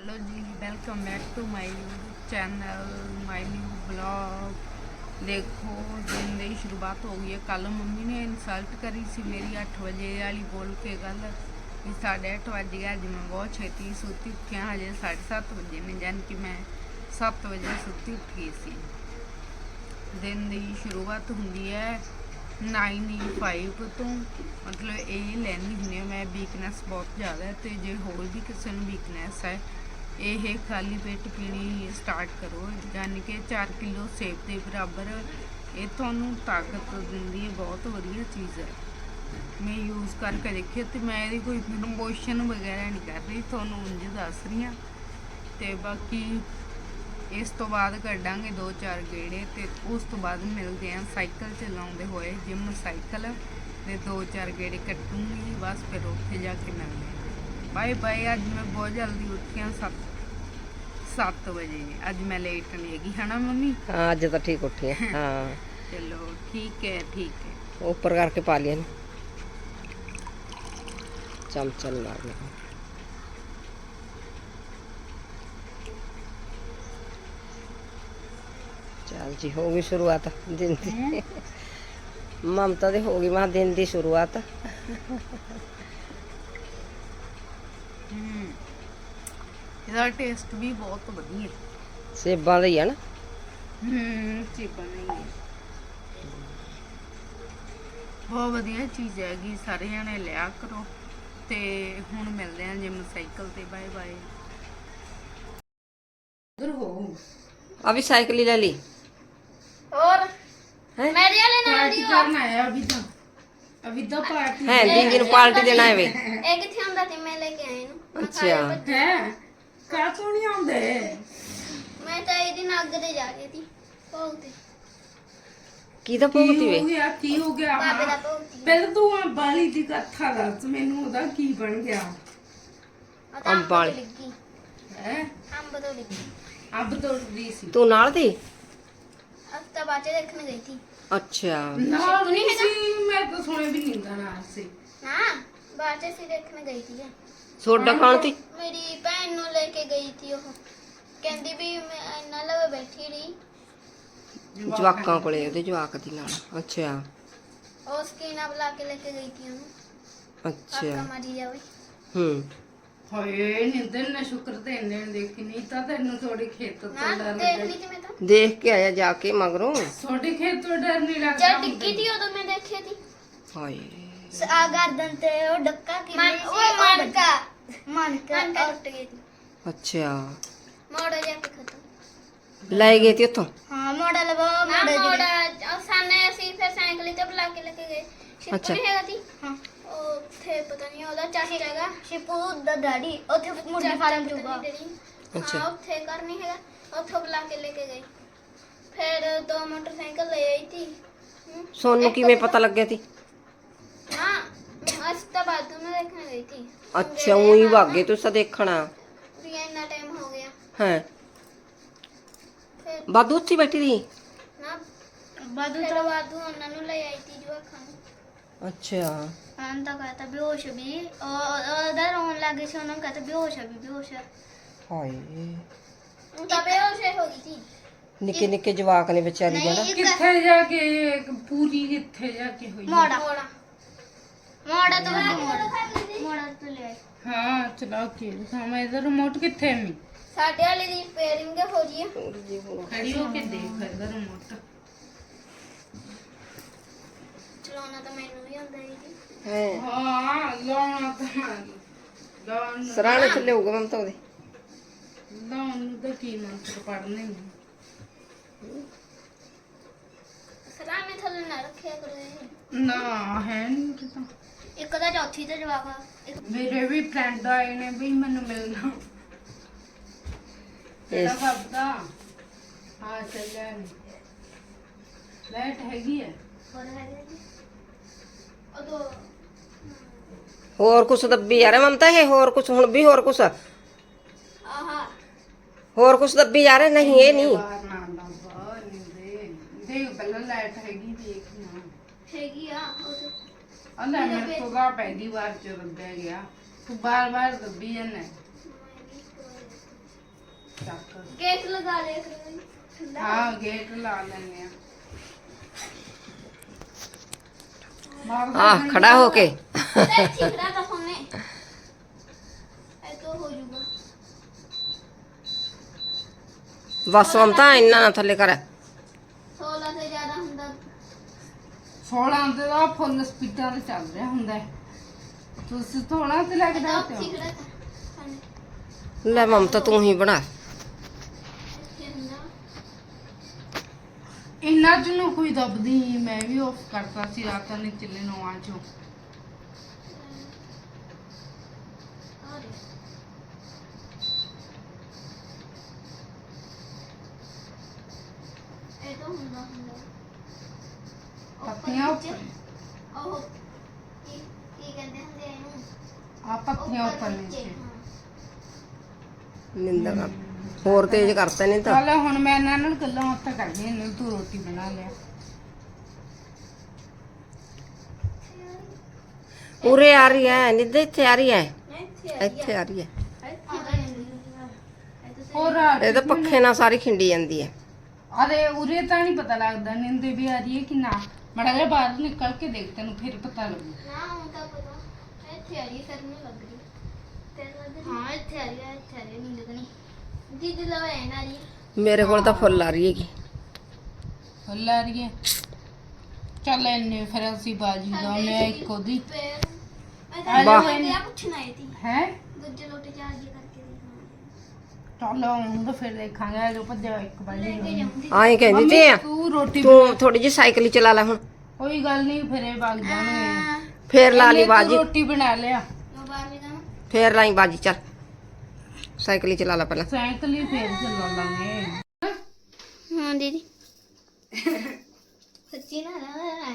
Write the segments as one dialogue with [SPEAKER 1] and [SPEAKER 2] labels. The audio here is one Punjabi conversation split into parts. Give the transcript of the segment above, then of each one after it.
[SPEAKER 1] हेलो जी, welcome back to my YouTube channel, my new blog. देखो दिन की शुरुआत हो गई है। कल मम्मी ने इंसल्ट करी सी मेरी 8 बजे वाली बोल के गल भी 8:30 बज गया। अज मैं बहुत छेती सुती उठी हाँ, हजे 7:30 बजे ने, जान कि मैं 7 बजे सुती उठ गई सी। दिन की शुरुआत होंगी है 9:05 तो, मतलब ये लैनी हुई मैं वीकनैस बहुत ज़्यादा है। तो जो होर भी किसी को वीकनैस है, ये खाली पेट पीनी स्टार्ट करो, यानी कि 4 किलो सेब के बराबर। ये थानू ताकत दिंदी है, बहुत वधिया चीज़ है। मैं यूज़ करके देखी तो मैं ये कोई प्रमोशन वगैरह नहीं कर रही, थानू उंज दस रही हाँ। तो बाकी इस तो बाद कड्डांगे 2-4 गेड़े, तो उस तो बाद मिलते हैं साइकिल चलाते हुए जिम साइकिल, तो 2-4 गेड़े कट्टूंगी बस, फिर उत्थे जाके मिलते हैं। Bye bye. अज मैं बहुत जल्दी उठी हाँ, 7 बजे। अज मैं लेट नहीं हैगी, है ना मम्मी?
[SPEAKER 2] हाँ अज तो ठीक उठी है। हाँ
[SPEAKER 1] चलो ठीक है, ठीक है।
[SPEAKER 2] ऊपर करके पा लिया चमचन मारना। चल जी, हो गई शुरुआत दिन की। ममता दी हो गई मैं दिन की शुरुआत।
[SPEAKER 1] ਇਹਦਾ ਟੇਸਟ ਵੀ ਬਹੁਤ ਵਧੀਆ
[SPEAKER 2] ਸੇਬਾਂ ਦਾ ਹੀ ਆ ਨਾ।
[SPEAKER 1] ਚੀਪਾਂ ਨਹੀਂ ਹੈ, ਬਹੁਤ ਵਧੀਆ ਚੀਜ਼ ਹੈਗੀ, ਸਾਰੇ ਜਣੇ ਲਿਆ ਕਰੋ। ਤੇ ਹੁਣ ਮਿਲਦੇ ਆਂ ਜਿਮ ਸਾਈਕਲ ਤੇ। Bye bye. ਉਧਰ ਹੋ
[SPEAKER 2] अभी साइकिल ही ले ली
[SPEAKER 3] और
[SPEAKER 2] है?
[SPEAKER 3] मेरे वाले नाल
[SPEAKER 1] पार्टी
[SPEAKER 3] दी
[SPEAKER 1] करना है अभी तो पार्टी
[SPEAKER 2] है दीदी नु पार्टी देना है वे।
[SPEAKER 3] एक किथे ਹੁੰਦਾ ਤੇ ਮੈਂ ਲੈ ਕੇ ਆਈ ਨੂੰ।
[SPEAKER 2] अच्छा
[SPEAKER 1] है का तो नहीं आंदे।
[SPEAKER 3] ਮੈਂ ਤਾਂ ਇਹਦੀ ਨੱਗ ਤੇ ਜਾ ਰਹੀ ਸੀ ਭੋਗਤੇ।
[SPEAKER 2] की तो भुगती वे।
[SPEAKER 1] की हो गया
[SPEAKER 3] ਬਾਬੇ ਦਾ ਭੋਗਤੀ
[SPEAKER 1] पहले तू बाली दी कथा दस मैनू ओदा की बन गया।
[SPEAKER 2] ਅੰਬ ਵਾਲੀ।
[SPEAKER 3] ਲੱਗੀ
[SPEAKER 1] है
[SPEAKER 3] ਅੰਬ ਤੋਂ ਲੱਗੀ।
[SPEAKER 1] अब तो दी सी
[SPEAKER 2] तू नाल थी?
[SPEAKER 3] ਹਫਤਾ ਬਾਅਦ ਦੇਖਣ ਗਈ ਸੀ
[SPEAKER 2] अच्छा
[SPEAKER 1] ना
[SPEAKER 3] शिकू नहीं
[SPEAKER 1] नहीं
[SPEAKER 3] है
[SPEAKER 1] सी, मैं तो सुने भी नहीं था ना से।
[SPEAKER 3] ਨਾ ਬਾਅਦ ਚ ਸੀ ਦੇਖਣ ਗਈ ਸੀ।
[SPEAKER 2] सोडा खान थी?
[SPEAKER 3] ਮੇਰੀ ਭੈਣ ਨੂੰ ਲੈ ਕੇ ਗਈ ਸੀ ਉਹ, ਕਹਿੰਦੀ ਵੀ ਮੈਂ ਇੰਨਾ ਲਵੇ ਬੈਠੀ ਰਹੀ।
[SPEAKER 2] ਜਵਾਕਾਂ ਕੋਲੇ ਉਹਦੇ ਜਵਾਕ ਦੀ ਨਾਲ। ਅੱਛਾ
[SPEAKER 3] ਉਹ ਸਕੀਨਾ ਬੁਲਾ ਕੇ ਲੈ ਕੇ ਗਈ ਸੀ ਉਹਨੂੰ।
[SPEAKER 2] ਅੱਛਾ
[SPEAKER 3] ਕਾਕਾ ਮਾਰੀ ਜਾਵੇ।
[SPEAKER 2] ਹੂੰ
[SPEAKER 1] ਹਾਏ ਨਿੰਦਰ ਨੇ ਸ਼ੁਕਰ ਤੇ ਇੰਨੇ ਦੇਖੀ, ਨਹੀਂ ਤਾਂ ਤੈਨੂੰ ਥੋੜੀ ਖੇਤ ਤੋਂ
[SPEAKER 3] ਨਾ
[SPEAKER 1] ਡਰ
[SPEAKER 3] ਦੇਖ
[SPEAKER 1] ਲੱਗਦਾ।
[SPEAKER 3] ਲਈ ਸੀ ਮੈਂ ਤਾਂ
[SPEAKER 2] देख के आया जाके मगरों।
[SPEAKER 1] ਥੋੜੀ ਖੇਤ ਤੋਂ ਡਰ ਨਹੀਂ ਲੱਗਦਾ।
[SPEAKER 3] ਜਦ ਡਿੱਗੀ ਸੀ ਉਦੋਂ ਮੈਂ ਦੇਖੀ ਸੀ।
[SPEAKER 2] हाय
[SPEAKER 3] ਆ ਗਰਦਨ ਤੇ ਉਹ ਡੱਕਾ ਕਿਵੇਂ ਸੀ? ਉਹ ਮਨਕਾ ਟੁੱਟ ਗਈ ਸੀ।
[SPEAKER 2] अच्छा
[SPEAKER 3] ਮੋੜਾ ਜਾ ਕੇ ਖਤਮ।
[SPEAKER 2] ले गए थे उतो?
[SPEAKER 3] ਹਾਂ ਮੋੜਾ ਲਵਾ ਮੋੜਾ ਸਾਨੇ ਅਸੀਂ ਫਿਰ ਸਾਈਕਲ ਤੇ ਬੁਲਾ ਕੇ ਲੈ ਕੇ ਗਏ। ਸ਼ਿਪੂ
[SPEAKER 2] ਅੱਛਾ।
[SPEAKER 3] ਨਹੀਂ ਹੈਗਾ ਸੀ। ਹਾਂ ਉੱਥੇ ਪਤਾ ਨਹੀਂ ਉਹਦਾ ਚਾਚਾ ਹੈਗਾ ਸ਼ਿਪੂ ਦਾ ਡੈਡੀ ਉੱਥੇ ਮੁਰਗੀ ਫਾਰਮ ਚੂਗਾ।
[SPEAKER 2] ਅੱਛਾ।
[SPEAKER 3] ਹਾਂ ਉੱਥੇ ਘਰ ਨਹੀਂ ਹੈਗਾ, ਉੱਥੋਂ ਬੁਲਾ ਕੇ ਲੈ ਕੇ ਗਏ। ਫਿਰ 2 ਮੋਟਰਸਾਈਕਲ ਲੈ ਆਈ ਸੀ।
[SPEAKER 2] सोनू की में पता लग गया थी?
[SPEAKER 3] हाँ आज तो बाथरूम में देखने गई थी।
[SPEAKER 2] अच्छा वही भागे तो सा देखना
[SPEAKER 3] भी इतना टाइम हो गया
[SPEAKER 2] है।
[SPEAKER 3] फिर
[SPEAKER 2] बादू उत्थे बैठी रही?
[SPEAKER 3] ना बादू तो बादू उन्होंने ले आई थी जो खान।
[SPEAKER 2] अच्छा
[SPEAKER 3] हम तो कहता बेहोश भी और उधर रोने लगे से उन्होंने कहता बेहोश है भी बेहोश है।
[SPEAKER 2] हाय
[SPEAKER 3] उनका बेहोश हो गई थी।
[SPEAKER 2] निके निके जवाक ने बेचारी ने ना।
[SPEAKER 1] ਕਿੱਥੇ ਜਾ ਕੇ ਪੂਰੀ ਕਿੱਥੇ ਜਾ ਕੇ ਹੋਈ?
[SPEAKER 3] मोड़ा मोड़ा मोड़ा तो मोड़ा तो ले आई।
[SPEAKER 1] हाँ चला के दिखावा इधर रिमोट किथे है?
[SPEAKER 3] साढ़े वाले दी रिपेयरिंग हो रही है।
[SPEAKER 1] खड़ी होके देख इधर रिमोट
[SPEAKER 3] चलाना तो मैनू भी आंदा ही थी।
[SPEAKER 2] है
[SPEAKER 1] हाँ लाना तो लान
[SPEAKER 2] सराने थले होगा ममता ओदे।
[SPEAKER 1] लान तो की मंत्र पढ़ने नहीं।
[SPEAKER 3] सराने थले ना रखे करो।
[SPEAKER 1] ना है नहीं पता।
[SPEAKER 3] एक दा चौथी ते जवाब एक
[SPEAKER 1] मेरे भी फ्रेंड आए ने भी मैंने मिलना तेरा बाबा। हाँ चल जाए लाइट हैगी है।
[SPEAKER 3] और है और दो
[SPEAKER 2] होर कुछ दब्बी जा रहा ममता है? होर कुछ हुण भी होर कुछ
[SPEAKER 3] आहा
[SPEAKER 2] होर कुछ दब्बी जा रहे? नहीं ये नहीं
[SPEAKER 1] बाहर ना बाबा नहीं देख पहले लाइट हैगी देखना।
[SPEAKER 3] हैगी आ
[SPEAKER 1] अल्लाह मेरे को गा पहली बार जो दब्बा गया तू बार बार दब्बी जाना। ਚੱਕ
[SPEAKER 3] ਗੇਟ ਲਗਾ ਲਿਆ ਕਰੋ ਠੰਡਾ
[SPEAKER 1] ਹਾਂ ਗੇਟ ਲਾ ਲੈਣੇ ਆ ਮਾਰ
[SPEAKER 2] ਆ ਖੜਾ ਹੋ ਕੇ
[SPEAKER 3] ਤੇ ਚਿਕੜਾ ਤਾਂ ਫੋਨੇ ਇਹ ਤੋਂ ਹੋ ਜੂਗਾ
[SPEAKER 2] ਬਸ ਮਮਤਾ ਇੰਨਾ ਨਾ ਥੱਲੇ ਕਰ
[SPEAKER 3] 16 ਤੋਂ ਜ਼ਿਆਦਾ ਹੁੰਦਾ
[SPEAKER 1] 16 ਤੇ ਦਾ ਫੁੱਲ ਸਪੀਡਾਂ ਤੇ ਚੱਲ ਰਿਹਾ ਹੁੰਦਾ ਹੈ। ਤੁਸੀਂ ਥੋੜਾ ਤੇ ਲੱਗਦਾ ਤੇ
[SPEAKER 3] ਚਿਕੜਾ ਤਾਂ
[SPEAKER 2] ਲੈ ਮਮਤਾ ਤੂੰ ਹੀ ਬਣਾ
[SPEAKER 3] ਇੱਥੇ ਹੁੰਦਾ
[SPEAKER 1] ਇੰਨਾ ਚ ਨੂੰ ਕੋਈ ਦੱਬਦੀ ਨੀ, ਮੈਂ ਵੀ ਆਫ ਕਰਤਾ ਸੀ ਰਾਤਾਂ ਨੇ ਚੱਲੇ 9 ਚੋਂ
[SPEAKER 3] ਆ ਰਿਹਾ ਇਹ ਤਾਂ ਹੁੰਦਾ
[SPEAKER 1] ਪੱਤੀਆਂ ਉੱਪਰ
[SPEAKER 3] ਉਹ ਕੀ ਕਹਿੰਦੇ ਹੁੰਦੇ ਆ ਇਹਨੂੰ
[SPEAKER 1] ਆ ਪੱਤੀਆਂ ਉੱਪਰ
[SPEAKER 3] ਨੀਚੇ,
[SPEAKER 1] ਨੀਚੇ
[SPEAKER 3] ਹਾਂ।
[SPEAKER 2] ਨਿੰਦਾ ਕਰ ਹੋਰ ਤੇਜ਼ ਕਰਤਾ ਨਹੀਂ ਤਾਂ
[SPEAKER 1] ਚੱਲ ਹੁਣ ਮੈਂ ਇਹਨਾਂ ਨਾਲ ਗੱਲਾਂ ਬਾਤਾਂ ਕਰਦੀ ਹਾਂ ਤੂੰ ਰੋਟੀ ਬਣਾ ਲਿਆ
[SPEAKER 2] ਉਰੇ ਆ ਰਹੀ ਹੈ ਨਿੱਦੇ ਇੱਥੇ ਆ ਰਹੀ ਹੈ
[SPEAKER 3] ਇੱਥੇ
[SPEAKER 2] ਇੱਥੇ ਆ ਰਹੀ ਹੈ
[SPEAKER 1] ਹੋਰ
[SPEAKER 2] ਇਹ ਤਾਂ ਪੱਖੇ ਨਾਲ ਸਾਰੀ ਖਿੰਡੀ ਜਾਂਦੀ ਹੈ
[SPEAKER 1] ਅਰੇ ਉਰੇ ਤਾਂ ਨਹੀਂ ਪਤਾ ਲੱਗਦਾ ਨਿੰਦੇ ਵੀ ਆ ਰਹੀ ਹੈ ਕਿ ਨਾ ਮੜਾ ਜਿਹਾ ਬਾਹਰ ਨਿਕਲ ਕੇ ਦੇਖ ਤੈਨੂੰ ਫਿਰ ਪਤਾ ਲੱਗੂ
[SPEAKER 3] ਨਾ ਹੁਣ ਤਾਂ ਪਤਾ ਇੱਥੇ ਆ ਰਹੀ ਫਿਰ ਨਹੀਂ ਲੱਗ ਰਹੀ ਤੈਨੂੰ ਲੱਗ ਰਹੀ ਹਾਂ ਇੱਥੇ ਆ ਰਹੀ ਨਹੀਂ ਲੱਗਣੀ ਦੀਦੀ ਲਵਾ ਹੈ ਨਾ ਜੀ
[SPEAKER 2] ਮੇਰੇ ਕੋਲ ਤਾਂ ਫੁੱਲ ਆ ਰਹੀ ਹੈਗੀ
[SPEAKER 1] ਫੁੱਲ ਆ ਰਹੀ ਹੈ ਚੱਲ ਇੰਨੇ ਫਿਰ ਅਸੀਂ ਬਾਜੀ ਲਾਉਣੇ ਆ ਇੱਕ ਉਹਦੀ
[SPEAKER 3] ਫਿਰ
[SPEAKER 2] ਵਾਹ।
[SPEAKER 3] ਮੈਂ ਪੁੱਛਣਾ ਹੈ ਤੀ
[SPEAKER 1] ਹੈ
[SPEAKER 3] ਦੂਜੇ ਲੋਟੇ ਚਾਰਜ ਕਰਕੇ ਦੇਖਣਾ
[SPEAKER 1] ਚੱਲ ਹੁਣ ਤਾਂ ਫਿਰ ਦੇਖਾਂਗੇ ਜੋ ਭੱਜਿਆ ਇੱਕ ਬਾਜੀ
[SPEAKER 3] ਲੈ ਕੇ ਜਾਉਂਗੀ
[SPEAKER 2] ਆਏ ਕਹਿੰਦੀ ਤੇ ਆ
[SPEAKER 1] ਤੂੰ ਰੋਟੀ
[SPEAKER 2] ਤੂੰ ਥੋੜੀ ਜਿਹੀ ਸਾਈਕਲ ਹੀ ਚਲਾ ਲੈ ਹੁਣ
[SPEAKER 1] ਕੋਈ ਗੱਲ ਨਹੀਂ ਫਿਰ ਇਹ ਵਗ ਜਾਣਗੇ
[SPEAKER 2] ਫੇਰ ਲਾ ਲਈ
[SPEAKER 1] ਤੂੰ
[SPEAKER 2] ਬਾਜੀ
[SPEAKER 1] ਰੋਟੀ ਬਣਾ ਲਿਆ
[SPEAKER 3] ਮੈਂ ਬਾਹਰ ਵੀ ਜਾਵਾਂ
[SPEAKER 2] ਫੇਰ ਲਾਈ ਬਾਜੀ ਚੱਲ ਸਾਈਕਲ ਹੀ ਚਲਾ ਲੈ ਪਹਿਲਾਂ
[SPEAKER 1] ਸਾਈਕਲ ਹੀ ਫੇਰ ਚੱਲਾ ਲਾਂਗੇ
[SPEAKER 3] ਹਾਂ ਦੀਦੀ ਸੱਚੀ ਨਾ ਨਾ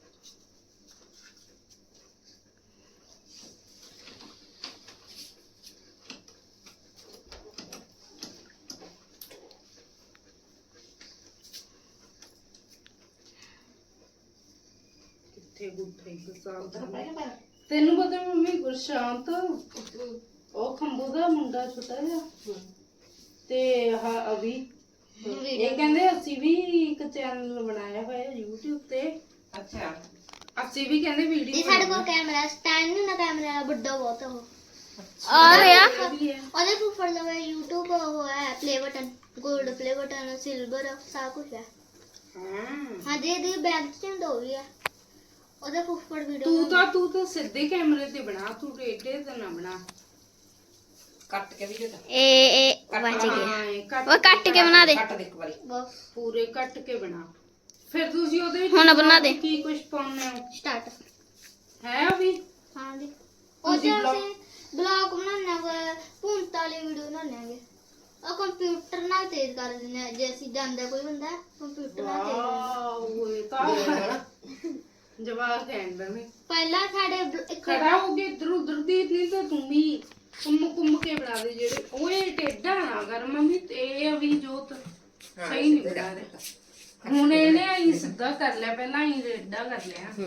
[SPEAKER 1] ਤੈਨੂੰ ਪਤਾ ਮੰਮੀ ਗੁਰਸ਼ਾਂਤ ਉਹ ਖੰਬੂ ਦਾ ਮੁੰਡਾ ਛੋਟਾ ਜਿਹਾ ਤੇ ਹਾਂ ਅਭੀ ਇਹ ਕਹਿੰਦੇ ਅਸੀਂ ਵੀ ਇੱਕ ਚੈਨਲ ਬਣਾਇਆ ਹੋਇਆ YouTube ਤੇ
[SPEAKER 2] ਅੱਛਾ
[SPEAKER 1] ਅਸੀਂ ਵੀ ਕਹਿੰਦੇ
[SPEAKER 3] ਇਹ
[SPEAKER 1] ਵੀਡੀਓ
[SPEAKER 3] ਸਾਡੇ ਕੋਲ ਕੈਮਰਾ ਸਟੈਂਡ ਨਹੀਂ ਨਾ ਕੈਮਰਾ ਵੱਡਾ ਬਹੁਤ ਉਹ ਆ ਰਿਹਾ ਉਹਦੇ ਉੱਪਰ ਲਗਾ YouTube ਉਹ ਹੈ ਪਲੇ ਬਟਨ 골ਡ ਪਲੇ ਬਟਨ ਸਿਲਵਰ ਸਭ ਕੁਝ ਹੈ ਹਾਂ ਦੇ ਬੈਗ ਚ ਦੋ ਵੀ ਹੈ ਉਹਦੇ ਉੱਪਰ ਵੀਡੀਓ
[SPEAKER 1] ਤੂੰ ਤਾਂ ਸਿੱਧੇ ਕੈਮਰੇ ਤੇ ਬਣਾ ਤੂੰ ਟੇਢੇ ਤੇ ਨਾ ਬਣਾ
[SPEAKER 2] ਕੱਟ ਕੇ ਵੀ ਦੇ
[SPEAKER 3] ਇਹ ਬਚ ਗਿਆ
[SPEAKER 1] ਹਾਂ, ਇਹ ਕੱਟ
[SPEAKER 3] ਉਹ ਕੱਟ ਕੇ ਬਣਾ ਦੇ
[SPEAKER 2] ਕੱਟ ਦੇ ਇੱਕ ਵਾਰੀ
[SPEAKER 3] ਬਸ
[SPEAKER 1] ਪੂਰੇ ਕੱਟ ਕੇ ਬਣਾ ਫਿਰ ਤੁਸੀਂ ਉਹਦੇ ਵਿੱਚ
[SPEAKER 3] ਹੁਣ ਬਣਾ ਦੇ।
[SPEAKER 1] ਕੀ ਕੁਝ ਪਾਉਣੇ ਹੋ
[SPEAKER 3] ਸਟਾਰਟ
[SPEAKER 1] ਹੈ ਅਭੀ
[SPEAKER 3] ਹਾਂ ਦੀ
[SPEAKER 1] ਤੁਸੀਂ
[SPEAKER 3] ਉਹਦੇ
[SPEAKER 1] blog-
[SPEAKER 3] ਅਸੀਂ ਬਲੌਗ ਬਣਾਉਣਾ ਭੂੰਤ ਵਾਲੀ ਵੀਡੀਓ ਬਣਾਉਣਾਂਗੇ ਉਹ ਕੰਪਿਊਟਰ ਨਾਲ ਤੇਜ਼ ਕਰ ਦਿੰਦੇ ਆ ਜੇ ਅਸੀਂ ਜਾਂਦਾ ਕੋਈ ਹੁੰਦਾ ਕੰਪਿਊਟਰ ਨਾਲ ਤੇਜ਼
[SPEAKER 1] ਵਾਓ ਇਹ ਤਾਂ ਜਵਾਬ ਕਹਿੰਦਾ ਨੇ
[SPEAKER 3] ਪਹਿਲਾਂ ਸਾਡੇ ਇੱਕ
[SPEAKER 1] ਖੜਾ ਹੋ ਕੇ ਇਧਰ ਉਧਰ ਦੀ ਨਹੀਂ ਤਾਂ ਤੂੰ ਵੀ ਕੁੰਮ ਕੇ ਬਣਾ ਦੇ ਜਿਹੜੇ ਓਏ ਟੇਡਾ ਨਾ ਕਰ ਮੰਮੀ ਤੇ ਅਭੀ ਜੋਤ ਸਹੀ ਨਹੀਂ ਬਣਾ ਰਿਹਾ ਹੁਣ ਇਹਨੇ ਆਈ ਸਿੱਧਾ ਕਰ ਲਿਆ ਪਹਿਲਾਂ ਹੀ ਟੇਡਾ ਕਰ ਲਿਆ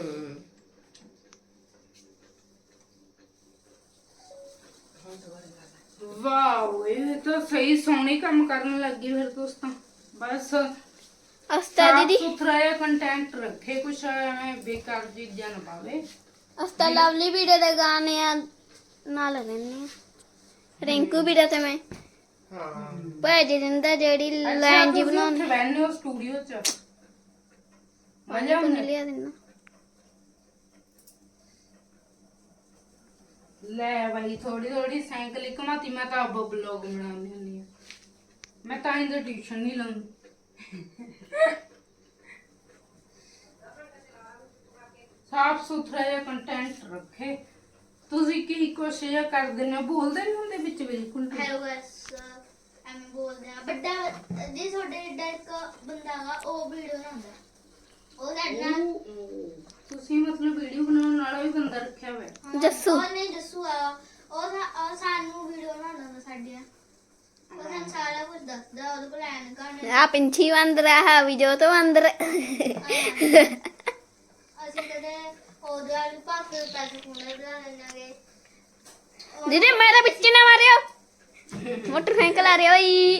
[SPEAKER 1] ਵਾਓ ਇਹ ਤਾਂ ਸਹੀ ਸੋਹਣੇ ਕੰਮ ਕਰਨ ਲੱਗੀ ਫਿਰ ਦੋਸਤਾਂ ਬਸ
[SPEAKER 3] ਅਸਤਾ ਦੀਦੀ
[SPEAKER 1] ਸੁਥਰਾ ਜਿਹਾ ਕੰਟੈਂਟ ਰੱਖੇ ਕੁਛ ਐਵੇਂ ਬੇਕਾਰ ਚੀਜ਼ਾਂ ਨਾ ਪਾਵੇ
[SPEAKER 3] ਅਸਤਾ ਲਵਲੀ ਵੀਡੀਓ ਦੇ ਗਾਣੇ ਆ ਨਾਲ ਲੈਣੇ ਰਿੰਕੂ ਵੀਡੀਓ ਤੇ ਮੈਂ
[SPEAKER 2] ਹਾਂ
[SPEAKER 3] ਭੇਜ ਦਿੰਦਾ ਜਿਹੜੀ ਲਾਈਨ ਜੀ ਬਣਾਉਣੀ
[SPEAKER 1] ਬੈਠਨੇ ਸਟੂਡੀਓ ਚ ਮਜ਼ਾ ਆਉਂਦਾ
[SPEAKER 3] ਲਿਆ ਦਿੰਦਾ
[SPEAKER 1] ਲੈ ਭਾਈ ਥੋੜੀ ਥੋੜੀ ਸਾਈਕਲ ਘਮਾਤੀ ਮੈਂ ਤਾਂ ਅੱਬ ਬਲੌਗ ਬਣਾਉਂਦੀ ਹੁੰਦੀ ਆ ਮੈਂ ਤਾਂ ਇਹਦਾ ਟਿਊਸ਼ਨ ਨਹੀਂ ਲਾਉਂਦੀ ਸਾਫ ਸੁਥਰਾ ਜਿਹਾ ਕੰਟੈਂਟ ਰੱਖੇ ਤੁਸੀਂ ਕੀ ਕੋਸ਼ਿਸ਼ ਕਰਦੇ ਨੇ ਬੋਲਦੇ ਨਹੀਂ ਹੁੰਦੇ ਵਿੱਚ ਬਿਲਕੁਲ ਵੀ।
[SPEAKER 3] ਹੈਲੋ ਗਾਇਸ ਐਵੇਂ ਬੋਲਦੇ ਆ ਵੱਡਾ ਜੀ ਤੁਹਾਡੇ ਏਡਾ ਇੱਕ ਬੰਦਾ ਵਾ ਉਹ ਵੀਡੀਓ ਬਣਾਉਂਦਾ ਉਹ ਸਾਡੇ ਨਾਲ
[SPEAKER 1] ਤੁਸੀਂ ਮਤਲਬ ਵੀਡੀਓ ਬਣਾਉਣ ਵਾਲਾ ਵੀ ਬੰਦਾ ਰੱਖਿਆ ਹੋਇਆ
[SPEAKER 3] ਜੱਸੂ ਉਹਨੇ ਜੱਸੂ ਆ ਉਹ ਸਾਨੂੰ ਵੀਡੀਓ ਬਣਾਉਂਦਾ ਹੁੰਦਾ ਸਾਡੀਆਂ ਉਹ ਸਾਨੂੰ ਸਾਰਾ ਕੁਝ ਦੱਸਦਾ ਉਹਦੇ ਕੋਲ ਐਨਕਾਂ ਨੇ
[SPEAKER 4] ਆ ਪਿੰਛੀ ਬੰਦਰ ਆ ਵੀ ਜੋ ਤੋਂ ਅੰਦਰ
[SPEAKER 3] ਅਸੀਂ ਕਦੇ ਉਹਦੇ ਵਾਲੀ ਪਾਸੇ ਪੈਸੇ ਕੋਲੇ ਬਣਾ ਲੈਣਾਗੇ
[SPEAKER 4] ਦੀਦੀ ਮੇਰੇ ਵਿੱਚ ਨਾ ਮਾਰਿਓ ਮੋਟਰਸਾਈਕਲ ਆ ਰਿਹਾ ਬਈ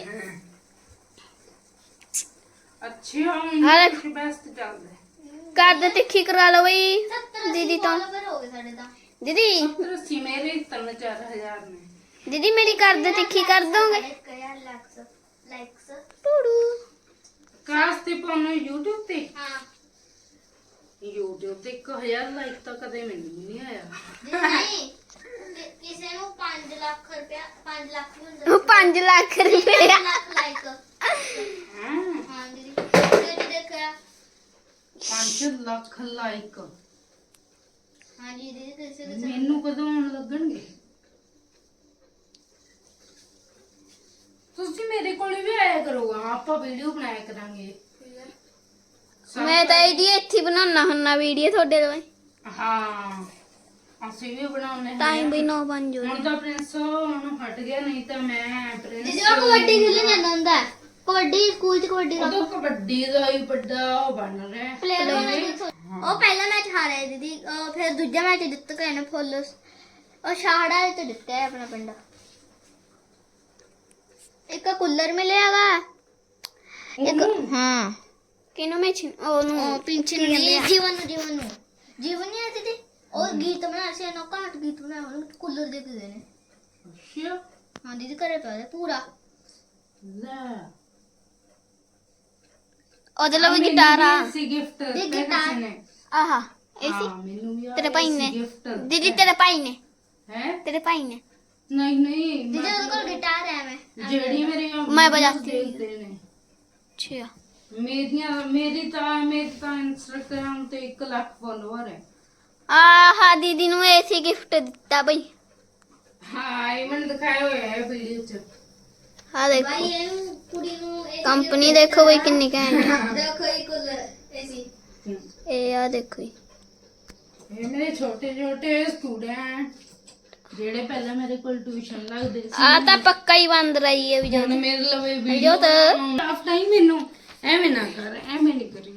[SPEAKER 1] ਅੱਛੇ ਹੋਣ ਬੈਸਟ ਚੱਲਦਾ
[SPEAKER 4] ਕਰ ਦੇ ਤਿੱਖੀ ਕਰਾ ਲਓ ਬਈ
[SPEAKER 3] 70
[SPEAKER 4] ਦੀਦੀ ਤੋਂ
[SPEAKER 3] ਫਾਲੋਵਰ ਹੋ ਗਏ ਸਾਡੇ ਤਾਂ
[SPEAKER 4] ਦੀਦੀ
[SPEAKER 1] 70 ਮੇਰੇ 3-4 ਨੇ
[SPEAKER 4] ਦੀਦੀ ਮੇਰੀ ਕਰ ਦੇ ਤਿੱਖੀ ਕਰ ਦੋਗੇ
[SPEAKER 3] ਲਾਈਕਸ
[SPEAKER 4] ਟੂੜੂ
[SPEAKER 1] ਕਾਸ ਤੇ ਪਾਉਣਾ YouTube ਤੇ
[SPEAKER 3] ਹਾਂ
[SPEAKER 1] YouTube ਤੇ 1000 ਲਾਈਕ ਤਾਂ ਕਦੇ ਮੈਨੂੰ ਨਹੀਂ ਆਇਆ
[SPEAKER 3] ਜੇ ਨਹੀਂ ਕਿਸੇ ਨੂੰ 5 ਲੱਖ ਰੁਪਇਆ 5 ਲੱਖ ਵੀ ਹੁੰਦਾ
[SPEAKER 4] 5 ਲੱਖ ਰੁਪਏ
[SPEAKER 3] 5 ਲੱਖ ਲਾਈਕ
[SPEAKER 1] ਹਾਂ
[SPEAKER 3] ਹਾਂ ਦੀਦੀ ਤੇ ਦੇਖਿਆ
[SPEAKER 1] 5 ਲੱਖ ਲਾਈਕ
[SPEAKER 3] ਹਾਂ ਜੀ ਦੀਦੀ ਕਿਸੇ ਦੇ
[SPEAKER 1] ਮੈਨੂੰ ਕਦੋਂ ਆਉਣ ਲੱਗਣਗੇ ਤੁਸੀਂ ਮੇਰੇ ਕੋਲ ਵੀ ਆਇਆ ਕਰੋਗਾ ਆਪਾਂ ਵੀਡੀਓ ਬਣਾਇਆ ਕਰਾਂਗੇ
[SPEAKER 4] ਮੈਂ ਤਾਂ ਇਹਦੀ ਇੱਥੇ ਹੀ ਬਣਾਉਣਾ ਹੁੰਨਾ ਵੀਡੀਓ ਤੁਹਾਡੇ ਲਈ
[SPEAKER 1] ਹਾਂ ਅਸੀਂ ਵੀ ਬਣਾਉਣੇ
[SPEAKER 4] ਟਾਈਮ ਵੀ 9:05 ਹੋ
[SPEAKER 1] ਹੁਣ ਤਾਂ ਪ੍ਰਿੰਸ ਹੁਣ ਹਟ ਗਿਆ ਨਹੀਂ ਤਾਂ ਮੈਂ ਪ੍ਰਿੰਸ
[SPEAKER 3] ਦੀਦੀ ਉਹ ਕਬੱਡੀ ਖੇਲਣ ਜਾਂਦਾ ਹੁੰਦਾ ਹੈ। ਕਬੱਡੀ ਸਕੂਲ ਚ ਕਬੱਡੀ ਦਾ
[SPEAKER 1] ਉਦੋਂ ਕਬੱਡੀ ਦਾ ਹੀ ਵੱਡਾ ਉਹ ਬਣ ਰਿਹਾ
[SPEAKER 3] ਪਲੇਅਰ ਉਹ ਪਹਿਲਾ ਮੈਚ ਹਾਰਿਆ ਦੀਦੀ ਫਿਰ ਦੂਜਾ ਮੈਚ ਜਿੱਤ ਕੇ ਨੇ ਫੁੱਲ ਉਹ ਸ਼ਾਹੜਾ ਤੇ ਜਿੱਤਿਆ ਹੈ ਆਪਣਾ ਪਿੰਡ ਇੱਕ ਕੂਲਰ ਮਿਲਿਆਗਾ ਇੱਕ ਹਾਂ
[SPEAKER 4] ਕਿਨੂੰ ਮੈਂ ਉਹਨੂੰ
[SPEAKER 3] ਪਿੰਛਨ ਜੀਵਨ ਨੂੰ ਜੀਵਨ ਨਹੀਂ ਆਤੀ ਤੇ ਉਹ ਗੀਤ ਬਣਾ ਸੀ ਨਾ ਘਾਟ ਗੀਤ ਬਣਾ ਉਹਨੂੰ ਕੂਲਰ ਦੇ ਕੇ ਦੇਣੇ
[SPEAKER 1] ਅੱਛਾ
[SPEAKER 3] ਹਾਂ ਦੀਦੀ ਘਰੇ ਪਿਆ ਹੈ ਪੂਰਾ
[SPEAKER 1] ਲੈ
[SPEAKER 4] ਉਹਦੇ ਲਈ ਵੀ ਗਿਟਾਰ ਆ
[SPEAKER 1] ਸੀ ਗਿਫਟ
[SPEAKER 3] ਦੇ ਗਿਟਾਰ।
[SPEAKER 1] ਨੇ
[SPEAKER 4] ਆਹਾ ਇਹ ਸੀ
[SPEAKER 1] ਹਾਂ ਮੈਨੂੰ ਵੀ
[SPEAKER 4] ਤੇਰੇ ਭਾਈ ਨੇ
[SPEAKER 1] ਗਿਫਟ
[SPEAKER 4] ਦੀਦੀ ਤੇਰੇ ਭਾਈ ਨੇ
[SPEAKER 1] ਹੈ
[SPEAKER 4] ਤੇਰੇ ਭਾਈ ਨੇ
[SPEAKER 1] ਨਹੀਂ
[SPEAKER 3] ਦੀਦੀ ਉਹਦੇ ਕੋਲ ਗਿਟਾਰ ਹੈ ਮੈਂ
[SPEAKER 1] ਜਿਹੜੀ ਮੇਰੀ
[SPEAKER 4] ਮੈਂ ਵਜਾਤੀ ਹੋਈ
[SPEAKER 1] ਦੇਖਦੇ ਨੇ
[SPEAKER 4] ਅੱਛਾ
[SPEAKER 1] ਮੇਰੀ ਤਾਂ ਇੰਸਟਾਗ੍ਰਾਮ ਤੇ 1 ਲੱਖ ਫੋਲੋਅਰ ਹੈ
[SPEAKER 4] ਆਹਾ ਦੀਦੀ ਨੂੰ ਐਸੀ ਗਿਫਟ ਦਿੱਤਾ ਬਈ
[SPEAKER 1] ਹਾਂ ਇਹ ਮੈਨੂੰ ਦਿਖਾਇਆ ਹੋਇਆ ਹੈ ਵੀਡੀਓ ਚ
[SPEAKER 4] ਆ ਦੇਖੋ
[SPEAKER 3] ਭਾਈ ਇਹਨੂੰ ਕੁੜੀ ਨੂੰ ਇਹ
[SPEAKER 4] ਕੰਪਨੀ ਦੇਖੋ ਬਈ ਕਿੰਨੀ ਘੈਂਟ ਆ।
[SPEAKER 3] ਦੇਖੋ ਇਹ ਕੂਲਰ ਐਸੀ
[SPEAKER 4] ਇਹ ਆ ਦੇਖੋ ਜੀ।
[SPEAKER 1] ਇਹ ਮੇਰੇ ਛੋਟੇ ਸਟੂਡੈਂਟ ਜਿਹੜੇ ਪਹਿਲਾਂ ਮੇਰੇ ਕੋਲ ਟਿਊਸ਼ਨ ਲੱਗਦੇ ਸੀ
[SPEAKER 4] ਆ ਤਾਂ ਪੱਕਾ ਹੀ ਬੰਦ ਰਹੀ ਹੈ ਵੀ
[SPEAKER 1] ਹੁਣ
[SPEAKER 4] ਜਦੋਂ
[SPEAKER 1] ਮੇਰੇ ਲਵੇ
[SPEAKER 4] ਜੋ
[SPEAKER 1] ਵੀਡੀਓ
[SPEAKER 4] ਤਾਂ
[SPEAKER 1] ਆਫਟਰ ਹੀ ਮੈਨੂੰ ਐਵੇਂ ਨਾ ਕਰ ਐਵੇਂ ਨਹੀਂ ਕਰੀ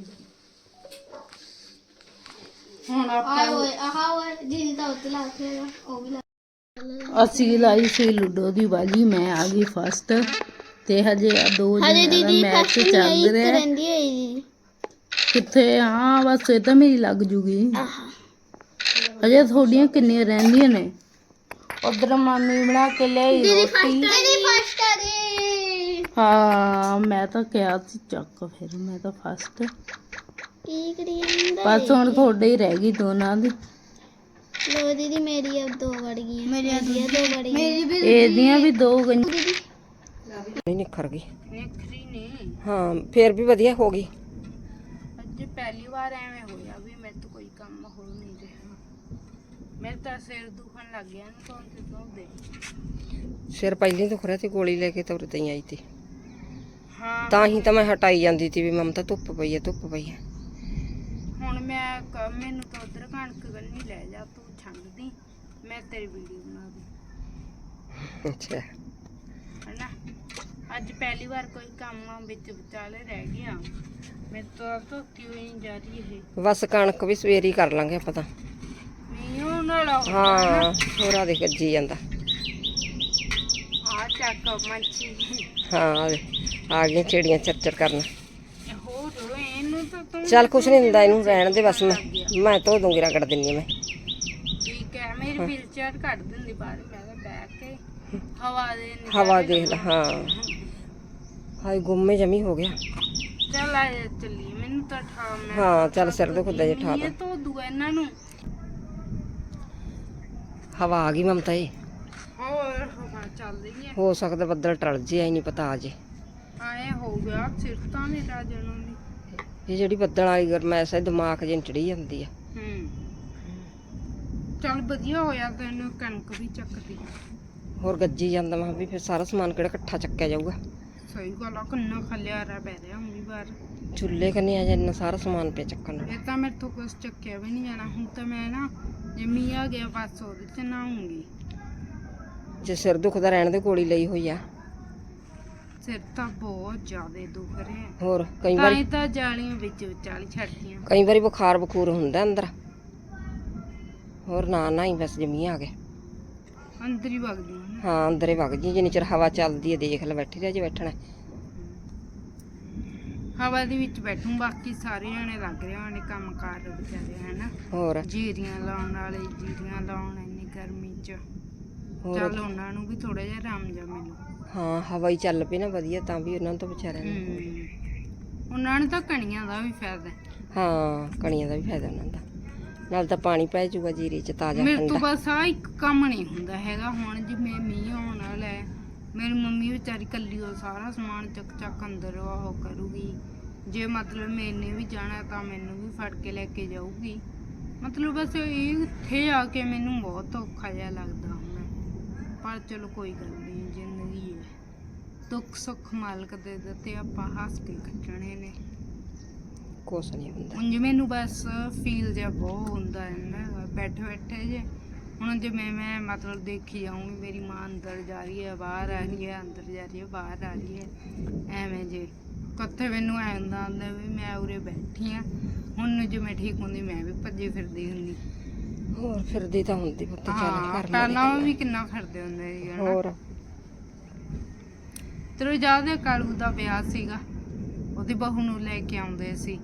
[SPEAKER 1] ਹੁਣ ਆਪਾਂ
[SPEAKER 3] ਆਹ ਜਿੰਨ ਤਾਂ ਉੱਤੇ ਲਾ ਕੇ ਉਹ ਵੀ ਲਾ
[SPEAKER 1] ਅਸੀਂ ਲਾਈ ਸੀ ਲੁੱਡੋ ਦੀ ਬਾਜੀ ਮੈਂ ਆ ਗਈ ਫਸਟ ਤੇ ਹਜੇ 2
[SPEAKER 4] ਹਜੇ
[SPEAKER 1] ਦਿਨ
[SPEAKER 4] ਦੀਦੀ
[SPEAKER 1] ਦਾ ਮੈਚ
[SPEAKER 4] ਫਸਟ
[SPEAKER 1] ਚੱਲ
[SPEAKER 4] ਨਹੀਂ
[SPEAKER 1] ਰਿਹਾ
[SPEAKER 4] ਰਹਿੰਦੀ ਹੈ ਜੀ
[SPEAKER 1] ਕਿੱਥੇ ਹਾਂ ਬਸ ਇਹ ਤਾਂ ਮੇਰੀ ਲੱਗ ਜੂਗੀ
[SPEAKER 4] ਆਹਾ
[SPEAKER 1] ਹਜੇ ਤੁਹਾਡੀਆਂ ਕਿੰਨੀਆਂ ਰਹਿੰਦੀਆਂ ਨੇ ਉਧਰ ਮਾਮੀ ਬਣਾ ਕੇ ਲਿਆਈ ਰੋਟੀ
[SPEAKER 3] ਦੀਦੀ ਫਸਟ ਆ ਗਈ
[SPEAKER 1] ਹਾਂ ਮੈਂ ਤਾਂ ਕਿਹਾ ਸੀ ਚੱਕ ਫਿਰ ਮੈਂ ਤਾਂ ਫਸਟ
[SPEAKER 4] ਕੀ ਕਰੀ ਜਾਂਦਾ
[SPEAKER 1] ਬਸ ਹੁਣ ਤੁਹਾਡੇ ਹੀ ਰਹਿ ਗਈ ਦੋਨਾਂ ਦੀ
[SPEAKER 4] ਲੋ ਦੀਦੀ ਮੇਰੀ अब 2 ਵੜ ਗਈਆਂ ਮੇਰੀਆਂ 2 ਵੜ ਗਈਆਂ
[SPEAKER 1] ਇਹਦੀਆਂ ਵੀ 2 ਗਈਆਂ
[SPEAKER 2] ਨਹੀਂ ਨਿਖਰ ਗਈ
[SPEAKER 1] ਨਿਖਰੀ ਨੇ
[SPEAKER 2] ਹਾਂ ਫੇਰ ਵੀ ਵਧੀਆ ਹੋ ਗਈ
[SPEAKER 1] ਅੱਜ ਪਹਿਲੀ ਵਾਰ ਐਵੇਂ ਹੋਇਆ ਵੀ ਮੇਰੇ ਤੋਂ ਕੋਈ ਕੰਮ ਹੋ ਨਹੀਂ ਰਿਹਾ ਮੇਰੇ ਤਾਂ ਸਿਰ ਦੁਖਣ ਲੱਗ ਗਿਆ ਨਾ ਤੋਂ ਦੇ
[SPEAKER 2] ਸਿਰ ਪਹਿਲਾਂ ਤੋਂ ਖੁਰਿਆ ਤੇ ਗੋਲੀ ਲੈ ਕੇ ਤੁਰ ਤਈ ਆਈ ਤੀ
[SPEAKER 1] ਹਾਂ
[SPEAKER 2] ਤਾਂ ਹੀ ਤਾਂ ਮੈਂ ਹਟਾਈ ਜਾਂਦੀ ਤੀ ਵੀ ਮਮਤਾ ਧੁੱਪ ਪਈ ਹੈ
[SPEAKER 1] ਹੁਣ ਮੈਨੂੰ ਤਾਂ ਉਧਰ ਕਣਕ ਗੰਨੀ ਲੈ ਜਾ ਤੂੰ ਛੰਗਦੀ ਮੈਂ ਤੇਰੀ ਵੀਡੀਓ ਬਣਾ ਦੂੰ
[SPEAKER 2] ਅੱਛਾ
[SPEAKER 1] ਹਨਾ ਅੱਜ ਪਹਿਲੀ ਵਾਰ ਕੋਈ ਕੰਮ ਵਿੱਚ ਵਿਚਾਲੇ ਰਹਿ ਗਿਆ ਮੇਰੇ ਤੋਂ ਧੋਤੀ ਹੋਈ ਨਹੀਂ ਜਾ ਰਹੀ ਇਹ
[SPEAKER 2] ਬਸ ਕਣਕ ਵੀ ਸਵੇਰੀ ਕਰ ਲਾਂਗੇ ਆਪਾਂ ਤਾਂ
[SPEAKER 1] ਮੀਂਹ ਨਾਲ
[SPEAKER 2] ਹਾਂ ਹੋਰਾ ਦੇ ਗੱਜੀ ਜਾਂਦਾ
[SPEAKER 1] ਆ ਚੱਕ ਮੱਛੀ
[SPEAKER 2] ਹਾਂ ਆ ਗਈਆਂ ਚਿੜੀਆਂ ਚਰਚਰ ਕਰਨ
[SPEAKER 1] ਹੋਰ ਇਹਨੂੰ ਤਾਂ ਤੂੰ
[SPEAKER 2] ਚੱਲ ਕੁਛ ਨਹੀਂ ਹੁੰਦਾ ਇਹਨੂੰ ਰਹਿਣ ਦੇ ਬਸ ਮੈਂ ਧੋ ਦੂੰਗੀ ਰਗੜ ਦਿੰਨੀ ਆ ਮੈਂ
[SPEAKER 1] ਠੀਕ ਹੈ ਮੇਰੀ ਵੀਲਚੇਅਰ ਕੱਢ ਦਿੰਦੀ ਬਾਹਰ ਮੈਂ ਤਾਂ ਬੈਠ ਕੇ ਹਵਾ ਦੇ
[SPEAKER 2] ਹਵਾ ਦੇਖ ਲੈ ਹਾਂ ਹਾਏ ਗੁੰਮੇ ਜਮੀ ਹੋ ਗਿਆ
[SPEAKER 1] ਚੱਲ ਆ ਚੱਲੀ ਮੈਨੂੰ ਤਾਂ ਠਾ ਮੈਂ
[SPEAKER 2] ਹਾਂ ਚੱਲ ਸਿਰ ਦੁਖਦਾ ਜੇ ਠਾ
[SPEAKER 1] ਇਹ ਧੋ ਦੂਆ ਇਹਨਾਂ ਨੂੰ
[SPEAKER 2] ਹਵਾ ਆ ਗਈ ਮਮਤਾ ਇਹ
[SPEAKER 1] ਹੋਰ ਹਵਾ ਚੱਲ ਰਹੀ ਹੈ
[SPEAKER 2] ਹੋ ਸਕਦਾ ਬੱਦਲ ਟਲ ਜੇ ਆਈ ਨਹੀਂ ਪਤਾ ਆ ਜੇ
[SPEAKER 1] ਆਏ ਹੋ ਗਿਆ ਸਿਰ ਤਾਂ ਮੇਰਾ ਜਨਮ ਦੀ
[SPEAKER 2] ਇਹ ਜਿਹੜੀ ਬੱਦਲ ਵਾਲੀ ਗਰਮੈਸ਼ ਹੈ ਦਿਮਾਗ ਜਿਹਾ ਚੜੀ ਜਾਂਦੀ ਆ
[SPEAKER 1] ਚੱਲ ਵਧੀਆ ਹੋਇਆ ਤੈਨੂੰ ਕਣਕ ਵੀ ਚੱਕਦੀ
[SPEAKER 2] ਹੋਰ ਗੱਜੀ ਜਾਂਦਾ ਮੈਂ ਵੀ ਫਿਰ ਸਾਰਾ ਸਮਾਨ ਕਿਹੜਾ ਇਕੱਠਾ ਚੱਕਿਆ ਜਾਊਗਾ
[SPEAKER 1] ਸਹੀ ਗੱਲ ਆ ਕਿੰਨਾ ਖਲਿਆਰਾ ਪੈ ਰਿਹਾ ਹੁਣ ਵੀ ਬਾਹਰ
[SPEAKER 2] ਚੁੱਲ੍ਹੇ ਕੰਨੀ ਆ ਜਾਂਦਾ ਸਾਰਾ ਸਮਾਨ ਪਿਆ ਚੱਕਣ ਨੂੰ
[SPEAKER 1] ਇਹ ਤਾਂ ਮੇਰੇ ਤੋਂ ਕੁਛ ਚੱਕਿਆ ਵੀ ਨਹੀਂ ਜਾਣਾ ਹੁਣ ਤਾਂ ਮੈਂ ਨਾ ਜੇ ਮੀਂਹ ਆ ਗਿਆ ਬਸ ਉਹਦੇ ਚ ਨਹਾਉਂਗੀ
[SPEAKER 2] ਜੇ ਸਿਰ ਦੁਖਦਾ ਰਹਿਣ ਦੇ ਗੋਲੀ ਲਈ ਹੋਈ ਆ
[SPEAKER 1] ਸਿਰ ਤਾਂ ਬਹੁਤ ਜ਼ਿਆਦਾ ਦੁਖ ਰਿਹਾ
[SPEAKER 2] ਹੋਰ ਕਈ
[SPEAKER 1] ਤਾਂ
[SPEAKER 2] ਵਾਰੀ
[SPEAKER 1] ਹੀ ਤਾਂ ਜਾਲੀਆਂ ਵਿੱਚ ਵਿਚਾਲੀ ਛੱਡਤੀਆਂ
[SPEAKER 2] ਕਈ ਵਾਰੀ ਬੁਖਾਰ ਬਖੂਰ ਹੁੰਦਾ ਅੰਦਰ ਹੋਰ ਨਾ ਹੀ ਬਸ ਜਮੀ ਆ ਗਿਆ
[SPEAKER 1] ਅੰਦਰ ਹੀ ਵਗਦੀ ਹਾਂ।
[SPEAKER 2] ਹਾਂ ਅੰਦਰੇ ਵਗ ਜੀ, ਜਿੰਨੀ ਚਿਰ ਹਵਾ ਚੱਲਦੀ ਹੈ ਦੇਖ ਲੈ, ਬੈਠੀ ਰਹਿ ਜੇ ਬੈਠਣਾ।
[SPEAKER 1] ਹਵਾ ਦੇ ਵਿੱਚ ਬੈਠੂ, ਬਾਕੀ ਸਾਰੇ ਜਾਣੇ ਲੱਗ ਰਹੇ ਹੋਣੇ ਕੰਮ ਕਾਰ ਵਿਚਾਰੇ ਹਨਾ,
[SPEAKER 2] ਹੋਰ
[SPEAKER 1] ਜੀਰੀਆਂ ਲਾਉਣ ਵਾਲੇ ਜੀਰੀਆਂ ਲਾਉਣ ਇੰਨੀ ਗਰਮੀ 'ਚ।
[SPEAKER 2] ਹੋਰ
[SPEAKER 1] ਚੱਲ ਉਹਨਾਂ ਨੂੰ ਵੀ ਥੋੜਾ ਜਿਹਾ ਆਰਾਮ ਜਾ ਮੈਨੂੰ।
[SPEAKER 2] ਹਾਂ ਹਵਾ ਹੀ ਚੱਲ ਪਈ ਨਾ ਵਧੀਆ, ਤਾਂ ਵੀ ਉਹਨਾਂ ਨੂੰ ਤਾਂ ਵਿਚਾਰਿਆਂ ਨੂੰ।
[SPEAKER 1] ਉਹਨਾਂ ਨੂੰ ਤਾਂ ਕਣੀਆਂ ਦਾ ਵੀ ਫਾਇਦਾ।
[SPEAKER 2] ਹਾਂ ਕਣੀਆਂ ਦਾ ਵੀ ਫਾਇਦਾ ਉਹਨਾਂ ਦਾ, ਨਾਲ ਤਾਂ ਪਾਣੀ ਪੈ ਜਾਊਗਾ ਜੀਰੇ 'ਚ ਤਾਜ਼ਾ
[SPEAKER 1] ਮੇਰੇ ਤੋਂ
[SPEAKER 2] ਠੰਡਾ।
[SPEAKER 1] ਬਸ ਆ ਇੱਕ ਕੰਮ ਨਹੀਂ ਹੁੰਦਾ ਹੈਗਾ। ਹੁਣ ਜਿਵੇਂ ਮੀਂਹ ਆਉਣ ਵਾਲਾ ਹੈ, ਮੇਰੀ ਮੰਮੀ ਵਿਚਾਰੀ ਕੱਲੀ ਉਹ ਸਾਰਾ ਸਮਾਨ ਚੱਕ ਅੰਦਰ ਉਹ ਕਰੂਗੀ। ਜੇ ਮਤਲਬ ਮੈਨੇ ਵੀ ਜਾਣਾ ਤਾਂ ਮੈਨੂੰ ਵੀ ਫੜ ਕੇ ਲੈ ਕੇ ਜਾਊਗੀ। ਮਤਲਬ ਬਸ ਇਹ ਇੱਥੇ ਆ ਕੇ ਮੈਨੂੰ ਬਹੁਤ ਔਖਾ ਜਿਹਾ ਲੱਗਦਾ ਹੁਣ। ਪਰ ਚਲੋ ਕੋਈ ਗੱਲ ਨਹੀਂ, ਜ਼ਿੰਦਗੀ ਹੈ, ਦੁੱਖ ਸੁੱਖ ਮਾਲਕ ਦੇ ਦਿੱਤੇ, ਆਪਾਂ ਹੱਸ ਕੇ ਕੱਟਣੇ ਨੇ।
[SPEAKER 2] ਕੁਛ ਨਹੀਂ ਹੁੰਦਾ।
[SPEAKER 1] ਉਂਝ ਮੈਨੂੰ ਬਸ ਫੀਲ ਜਿਹਾ ਬਹੁਤ ਹੁੰਦਾ ਹੈ ਨਾ ਬੈਠੇ ਬੈਠੇ ਜੇ। ਹੁਣ ਜਿਵੇਂ ਮੈਂ ਮਤਲਬ ਦੇਖੀ ਜਾਊਂਗੀ ਮੇਰੀ ਮਾਂ ਅੰਦਰ ਜਾ ਰਹੀ ਹੈ, ਬਾਹਰ ਆ ਰਹੀ ਹੈ, ਅੰਦਰ ਜਾ ਰਹੀ ਹੈ, ਬਾਹਰ ਆ ਰਹੀ ਹੈ, ਐਵੇਂ ਜੇ ਕਿੱਥੇ ਮੈਨੂੰ ਐਂ ਹੁੰਦਾ ਵੀ ਮੈਂ ਉਰੇ ਬੈਠੀ ਹਾਂ। ਹੁਣ ਜੇ ਮੈਂ ਠੀਕ ਹੁੰਦੀ ਮੈਂ ਵੀ ਭੱਜੀ ਫਿਰਦੀ ਹੁੰਦੀ।
[SPEAKER 2] ਹੋਰ ਫਿਰਦੀ ਤਾਂ ਹੁੰਦੀ ਪੁੱਤ, ਚੱਲ
[SPEAKER 1] ਹਾਂ
[SPEAKER 2] ਕਰ
[SPEAKER 1] ਪਹਿਲਾਂ ਵੀ ਕਿੰਨਾ ਫਿਰਦੇ ਹੁੰਦੇ ਸੀ ਹਨਾ।
[SPEAKER 2] ਹੋਰ
[SPEAKER 1] ਤੇਰੇ ਯਾਦ ਹੈ ਕਾਲੂ ਦਾ ਵਿਆਹ ਸੀਗਾ, ਉਹਦੀ ਬਹੂ ਨੂੰ ਲੈ ਕੇ ਆਉਂਦੇ ਸੀ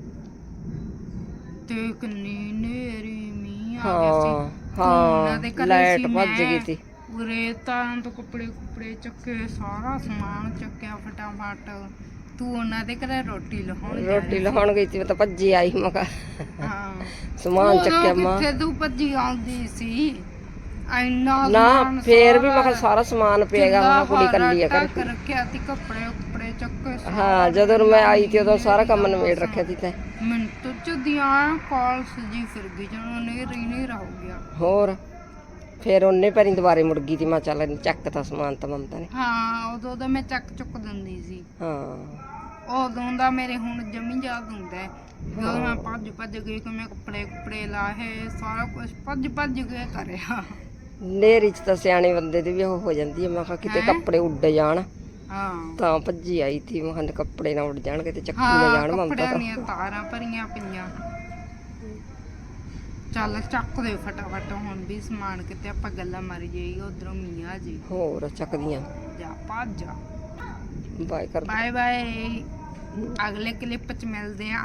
[SPEAKER 1] ਤੇ ਕਿੰਨੀ ਨੇਰੀ ਮੀਂਹ ਆ ਗਿਆ ਸੀ। ਉਹਨਾਂ ਦੇ
[SPEAKER 2] ਹਾਂ
[SPEAKER 1] ਘਰੇ
[SPEAKER 2] ਲਾਈਟ
[SPEAKER 1] ਸੀ,
[SPEAKER 2] ਭੱਜ
[SPEAKER 1] ਮੈਂ
[SPEAKER 2] ਗਈ ਤੀ।
[SPEAKER 1] ਉਰੇ ਤਾਂ ਤੋਂ ਕੱਪੜੇ ਚੱਕੇ, ਸਾਰਾ ਸਮਾਨ ਚੱਕਿਆ ਫਟਾਫਟ। ਤੂੰ ਉਹਨਾਂ ਦੇ ਘਰੇ ਰੋਟੀ ਲਾਉਣ ਜਾ
[SPEAKER 2] ਰੋਟੀ
[SPEAKER 1] ਰਹੀ ਸੀ।
[SPEAKER 2] ਲਾਉਣ ਗਈ ਸੀ, ਮੈਂ ਤਾਂ ਭੱਜੀ ਆਈ। ਮੈਂ ਕਿਹਾ
[SPEAKER 1] ਹਾਂ
[SPEAKER 2] ਸਮਾਨ
[SPEAKER 1] ਉਦੋਂ
[SPEAKER 2] ਚੱਕਿਆ ਮਾਂ।
[SPEAKER 1] ਕਿੱਥੇ ਤੂੰ ਭੱਜੀ ਆਉਂਦੀ ਸੀ, ਇੰਨਾ
[SPEAKER 2] ਨਾ
[SPEAKER 1] ਸਮਾਨ
[SPEAKER 2] ਫੇਰ ਵੀ ਮੈਂ
[SPEAKER 1] ਸਾਰਾ
[SPEAKER 2] ਕਿਹਾ ਸਾਰਾ ਸਮਾਨ ਪਿਆਗਾ, ਹੁਣ ਕੁੜੀ ਕੱਲੀ ਆ ਘਰ।
[SPEAKER 1] ਢੱਕ ਰੱਖਿਆ ਸੀ, ਕੱਪੜੇ ਚੱਕੇ
[SPEAKER 2] ਹਾਂ ਜਦੋਂ ਮੈਂ ਆਈ ਤੀ ਉਦੋਂ ਸਾਰਾ ਕੰਮ ਨਿਬੇੜ ਰੱਖਿਆ ਸੀ ਤੈਂ।
[SPEAKER 1] ਮਿੰਟ ਚ ਦੀਆਂ ਕਾਲ ਸਜੀ ਫਿਰ ਗਈ, ਜਦੋਂ ਨੇਰਾ ਹੋ ਗਿਆ।
[SPEAKER 2] ਹੋਰ ਫਿਰ ਉਹਨੇ ਪੈਰੀ ਦੁਬਾਰੇ ਮੁੜ ਗਈ ਤੀ। ਮੈਂ ਚੱਲ ਚੱਕ ਤਾ ਸਮਾਨ ਤਾਂ ਮਮਤਾ ਨੇ।
[SPEAKER 1] ਹਾਂ ਉਦੋਂ ਦਾ ਮੈਂ ਚੱਕ ਚੁੱਕ ਦਿੰਦੀ ਸੀ।
[SPEAKER 2] ਹਾਂ
[SPEAKER 1] ਉਦੋਂ ਦਾ ਮੇਰੇ ਹੁਣ ਜਮੀ ਯਾਦ ਹੁੰਦਾ ਹੈ, ਜਦੋਂ ਮੈਂ ਭੱਜ ਗਈ ਕਿ ਮੈਂ ਕੱਪੜੇ ਲਾਹੇ, ਸਾਰਾ ਕੁਝ ਭੱਜ ਕੇ ਕਰਿਆ।
[SPEAKER 2] ਨੇਰੀ ਚ ਤਾਂ ਸਿਆਣੇ ਬੰਦੇ ਦੀ ਵੀ ਉਹ ਹੋ ਜਾਂਦੀ ਹੈ। ਮੈਂ ਕਿਹਾ ਕਿਤੇ ਕੱਪੜੇ ਉੱਡ ਜਾਣ,
[SPEAKER 1] ਹਾਂ
[SPEAKER 2] ਤਾਂ ਭੱਜੀ ਆਈ ਤੀ। ਮੈਂ ਕਿਹਾ ਕੱਪੜੇ ਨਾ ਉੱਡ ਜਾਣਗੇ ਤੇ ਚੱਕੀ ਨਾ ਜਾਣ ਮਮਤਾ
[SPEAKER 1] ਕੱਪੜਿਆਂ
[SPEAKER 2] ਤਾਂ।
[SPEAKER 1] ਦੀਆਂ ਤਾਰਾਂ ਭਰੀਆਂ ਪਈਆਂ। ਚੱਲ ਚੱਕ ਦੇ ਫਟਾਫਟ, ਹੁਣ ਵੀ ਸਮਾਨ ਕਿਤੇ ਆਪਾਂ ਗੱਲਾਂ ਮਾਰੀ ਜਾਈਏ, ਉਧਰੋਂ ਮੀਆਂ ਜੀ।
[SPEAKER 2] ਹੋਰ ਚੱਕਦੀਆਂ।
[SPEAKER 1] ਜਾ ਭੱਜ ਜਾ।
[SPEAKER 2] ਬਾਏ ਕਰ।
[SPEAKER 1] ਬਾਏ ਬਾਏ, ਅਗਲੇ ਕਲਿੱਪ ਚ ਮਿਲਦੇ ਆ।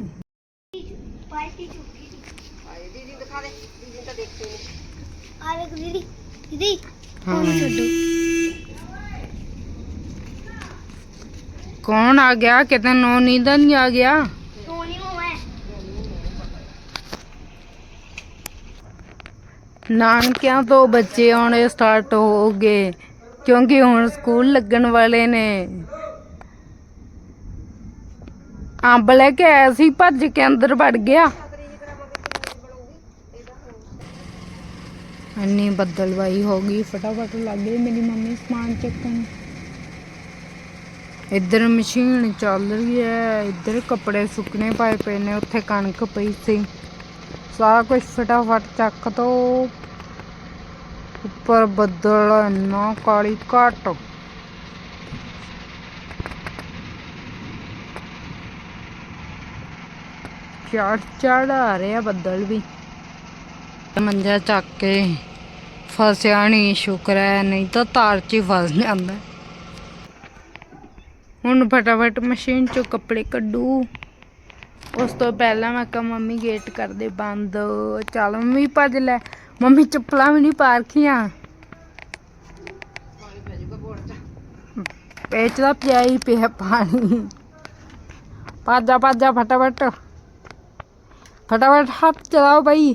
[SPEAKER 3] ਪਾਰਟੀ ਚੁੱਕੀ
[SPEAKER 2] ਆਏ ਦੀਦੀ ਦਿਖਾ ਦੇ, ਦੀਦੀ ਤਾਂ ਦੇਖੀ ਨਹੀਂ।
[SPEAKER 3] ਆ ਵੇਖ ਦੀਦੀ
[SPEAKER 1] ਕੌਣ ਆ ਗਿਆ? ਕਿਤੇ ਨੋ ਨੀਂਦ ਨਹੀਂ ਆ ਗਿਆ।
[SPEAKER 3] ਸੋਨੀ ਨੂੰ ਹੈ
[SPEAKER 1] ਨਾਨਕਿਆਂ ਤੋਂ ਬੱਚੇ ਆਉਣੇ ਸਟਾਰਟ ਹੋ ਗਏ, ਕਿਉਂਕਿ ਹੁਣ ਸਕੂਲ ਲੱਗਣ ਵਾਲੇ ਨੇ। ਅੰਬ ਲੈ ਕੇ ਆਇਆ ਸੀ, ਭੱਜ ਕੇ ਅੰਦਰ ਵੜ ਗਿਆ। ਇੰਨੀ ਬੱਦਲਵਾਈ ਹੋ ਗਈ, ਫਟਾਫਟ ਲੱਗ ਗਈ ਮੇਰੀ ਮੰਮੀ ਸਮਾਨ ਚੱਕਣ। ਇੱਧਰ ਮਸ਼ੀਨ ਚੱਲ ਰਹੀ ਹੈ, ਇੱਧਰ ਕੱਪੜੇ ਸੁੱਕਣੇ ਪਾਏ ਪਏ ਨੇ, ਉੱਥੇ ਕਣਕ ਪਈ ਸੀ। ਸਾਰਾ ਕੁਝ ਫਟਾਫਟ ਚੱਕ ਦੋ। ਉੱਪਰ ਬੱਦਲ ਇੰਨਾ ਕਾਲੀ ਘੱਟ। ਚੜ ਆ ਰਿਹਾ ਬੱਦਲ ਵੀ। ਮੰਜਾ ਚੱਕ ਕੇ ਫਸਿਆ ਨਹੀਂ, ਸ਼ੁਕਰ ਹੈ, ਨਹੀਂ ਤਾਂ ਤਾਰ 'ਚ ਹੀ ਫਸ ਜਾਂਦਾ। ਹੁਣ ਫਟਾਫਟ ਮਸ਼ੀਨ 'ਚੋਂ ਕੱਪੜੇ ਕੱਢੂ। ਉਸ ਤੋਂ ਪਹਿਲਾਂ ਮੈਂ ਕਿਹਾ ਮੰਮੀ ਗੇਟ ਕਰਦੇ ਬੰਦ। ਚੱਲ ਮੰਮੀ ਭੱਜ ਲੈ, ਮੰਮੀ ਚੱਪਲਾਂ ਵੀ ਨਹੀਂ ਪਾ ਰੱਖੀਆਂ। ਪੇਚ ਦਾ ਪਿਆ ਹੀ ਪਿਆ ਪਾਣੀ। ਭੱਜਾ ਫਟਾਫਟ ਹੱਥ ਚਲਾਓ ਬਈ।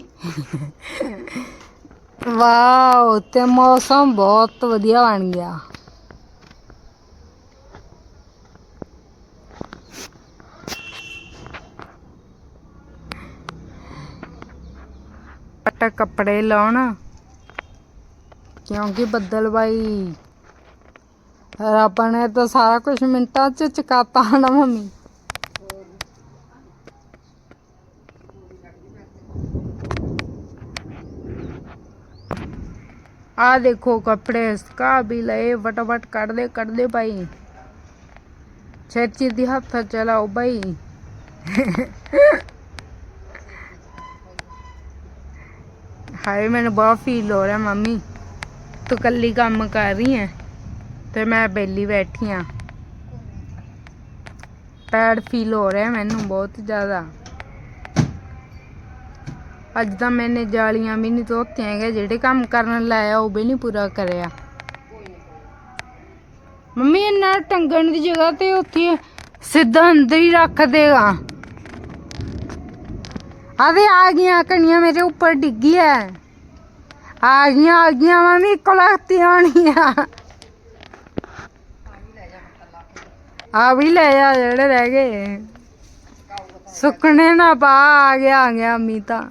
[SPEAKER 1] ਵਾਓ, ਤੇ ਮੌਸਮ ਬਹੁਤ ਵਧੀਆ ਬਣ ਗਿਆ। ਕੱਪੜੇ ਲਾਉਣ, ਕਿਉਂਕਿ ਬੱਦਲਬਾਈ ਰੱਬ ਨੇ ਤਾਂ ਸਾਰਾ ਕੁਝ ਮਿੰਟਾਂ 'ਚ ਚਕਾਤਾ ਨਾ ਮੰਮੀ। ਆ ਦੇਖੋ ਕੱਪੜੇ ਸੁਕਾ ਵੀ ਲਏ, ਫਟਾਫਟ ਕੱਢਦੇ ਭਾਈ, ਛੇਤੀ ਦੀ ਹੱਥ ਚਲਾਓ ਭਾਈ। ਹਾਏ ਮੈਨੂੰ ਬਹੁਤ ਫੀਲ ਹੋ ਰਿਹਾ ਮੰਮੀ। ਤੂੰ ਕੱਲੀ ਕੰਮ ਕਰ ਰਹੀ ਹੈ ਤੇ ਮੈਂ ਬੇਲੀ ਬੈਠੀ ਆ। ਪੈਡ ਫੀਲ ਹੋ ਰਿਹਾ ਮੈਨੂੰ ਬਹੁਤ ਜ਼ਿਆਦਾ। ਅੱਜ ਤਾਂ ਮੈਨੇ ਜਾਲੀਆਂ ਵੀ ਨਹੀਂ ਧੋਤੀਆਂ ਹੈਗੀਆਂ, ਜਿਹੜੇ ਕੰਮ ਕਰਨ ਲਾਇਆ ਉਹ ਵੀ ਨਹੀਂ ਪੂਰਾ ਕਰਿਆ। ਮੰਮੀ ਇਹਨਾਂ ਟੰਗਣ ਦੀ ਜਗ੍ਹਾ ਤੇ ਉੱਥੇ ਸਿੱਧਾ ਅੰਦਰ ਹੀ ਰੱਖ ਦੇਗਾ। ਆਦੇ ਆ ਗਈਆਂ ਕਣੀਆਂ ਮੇਰੇ ਉੱਪਰ ਡਿੱਗੀ ਹੈ। ਆ ਗਈਆਂ ਮੰਮੀ ਕੋਲਤੀ ਆਣੀ ਆ ਵੀ ਲੈ ਜਾ ਜਿਹੜੇ ਰਹਿ ਗਏ ਸੁੱਕਣੇ ਨਾ ਪਾ। ਆ ਗਿਆ ਅੰਮੀ ਤਾਂ।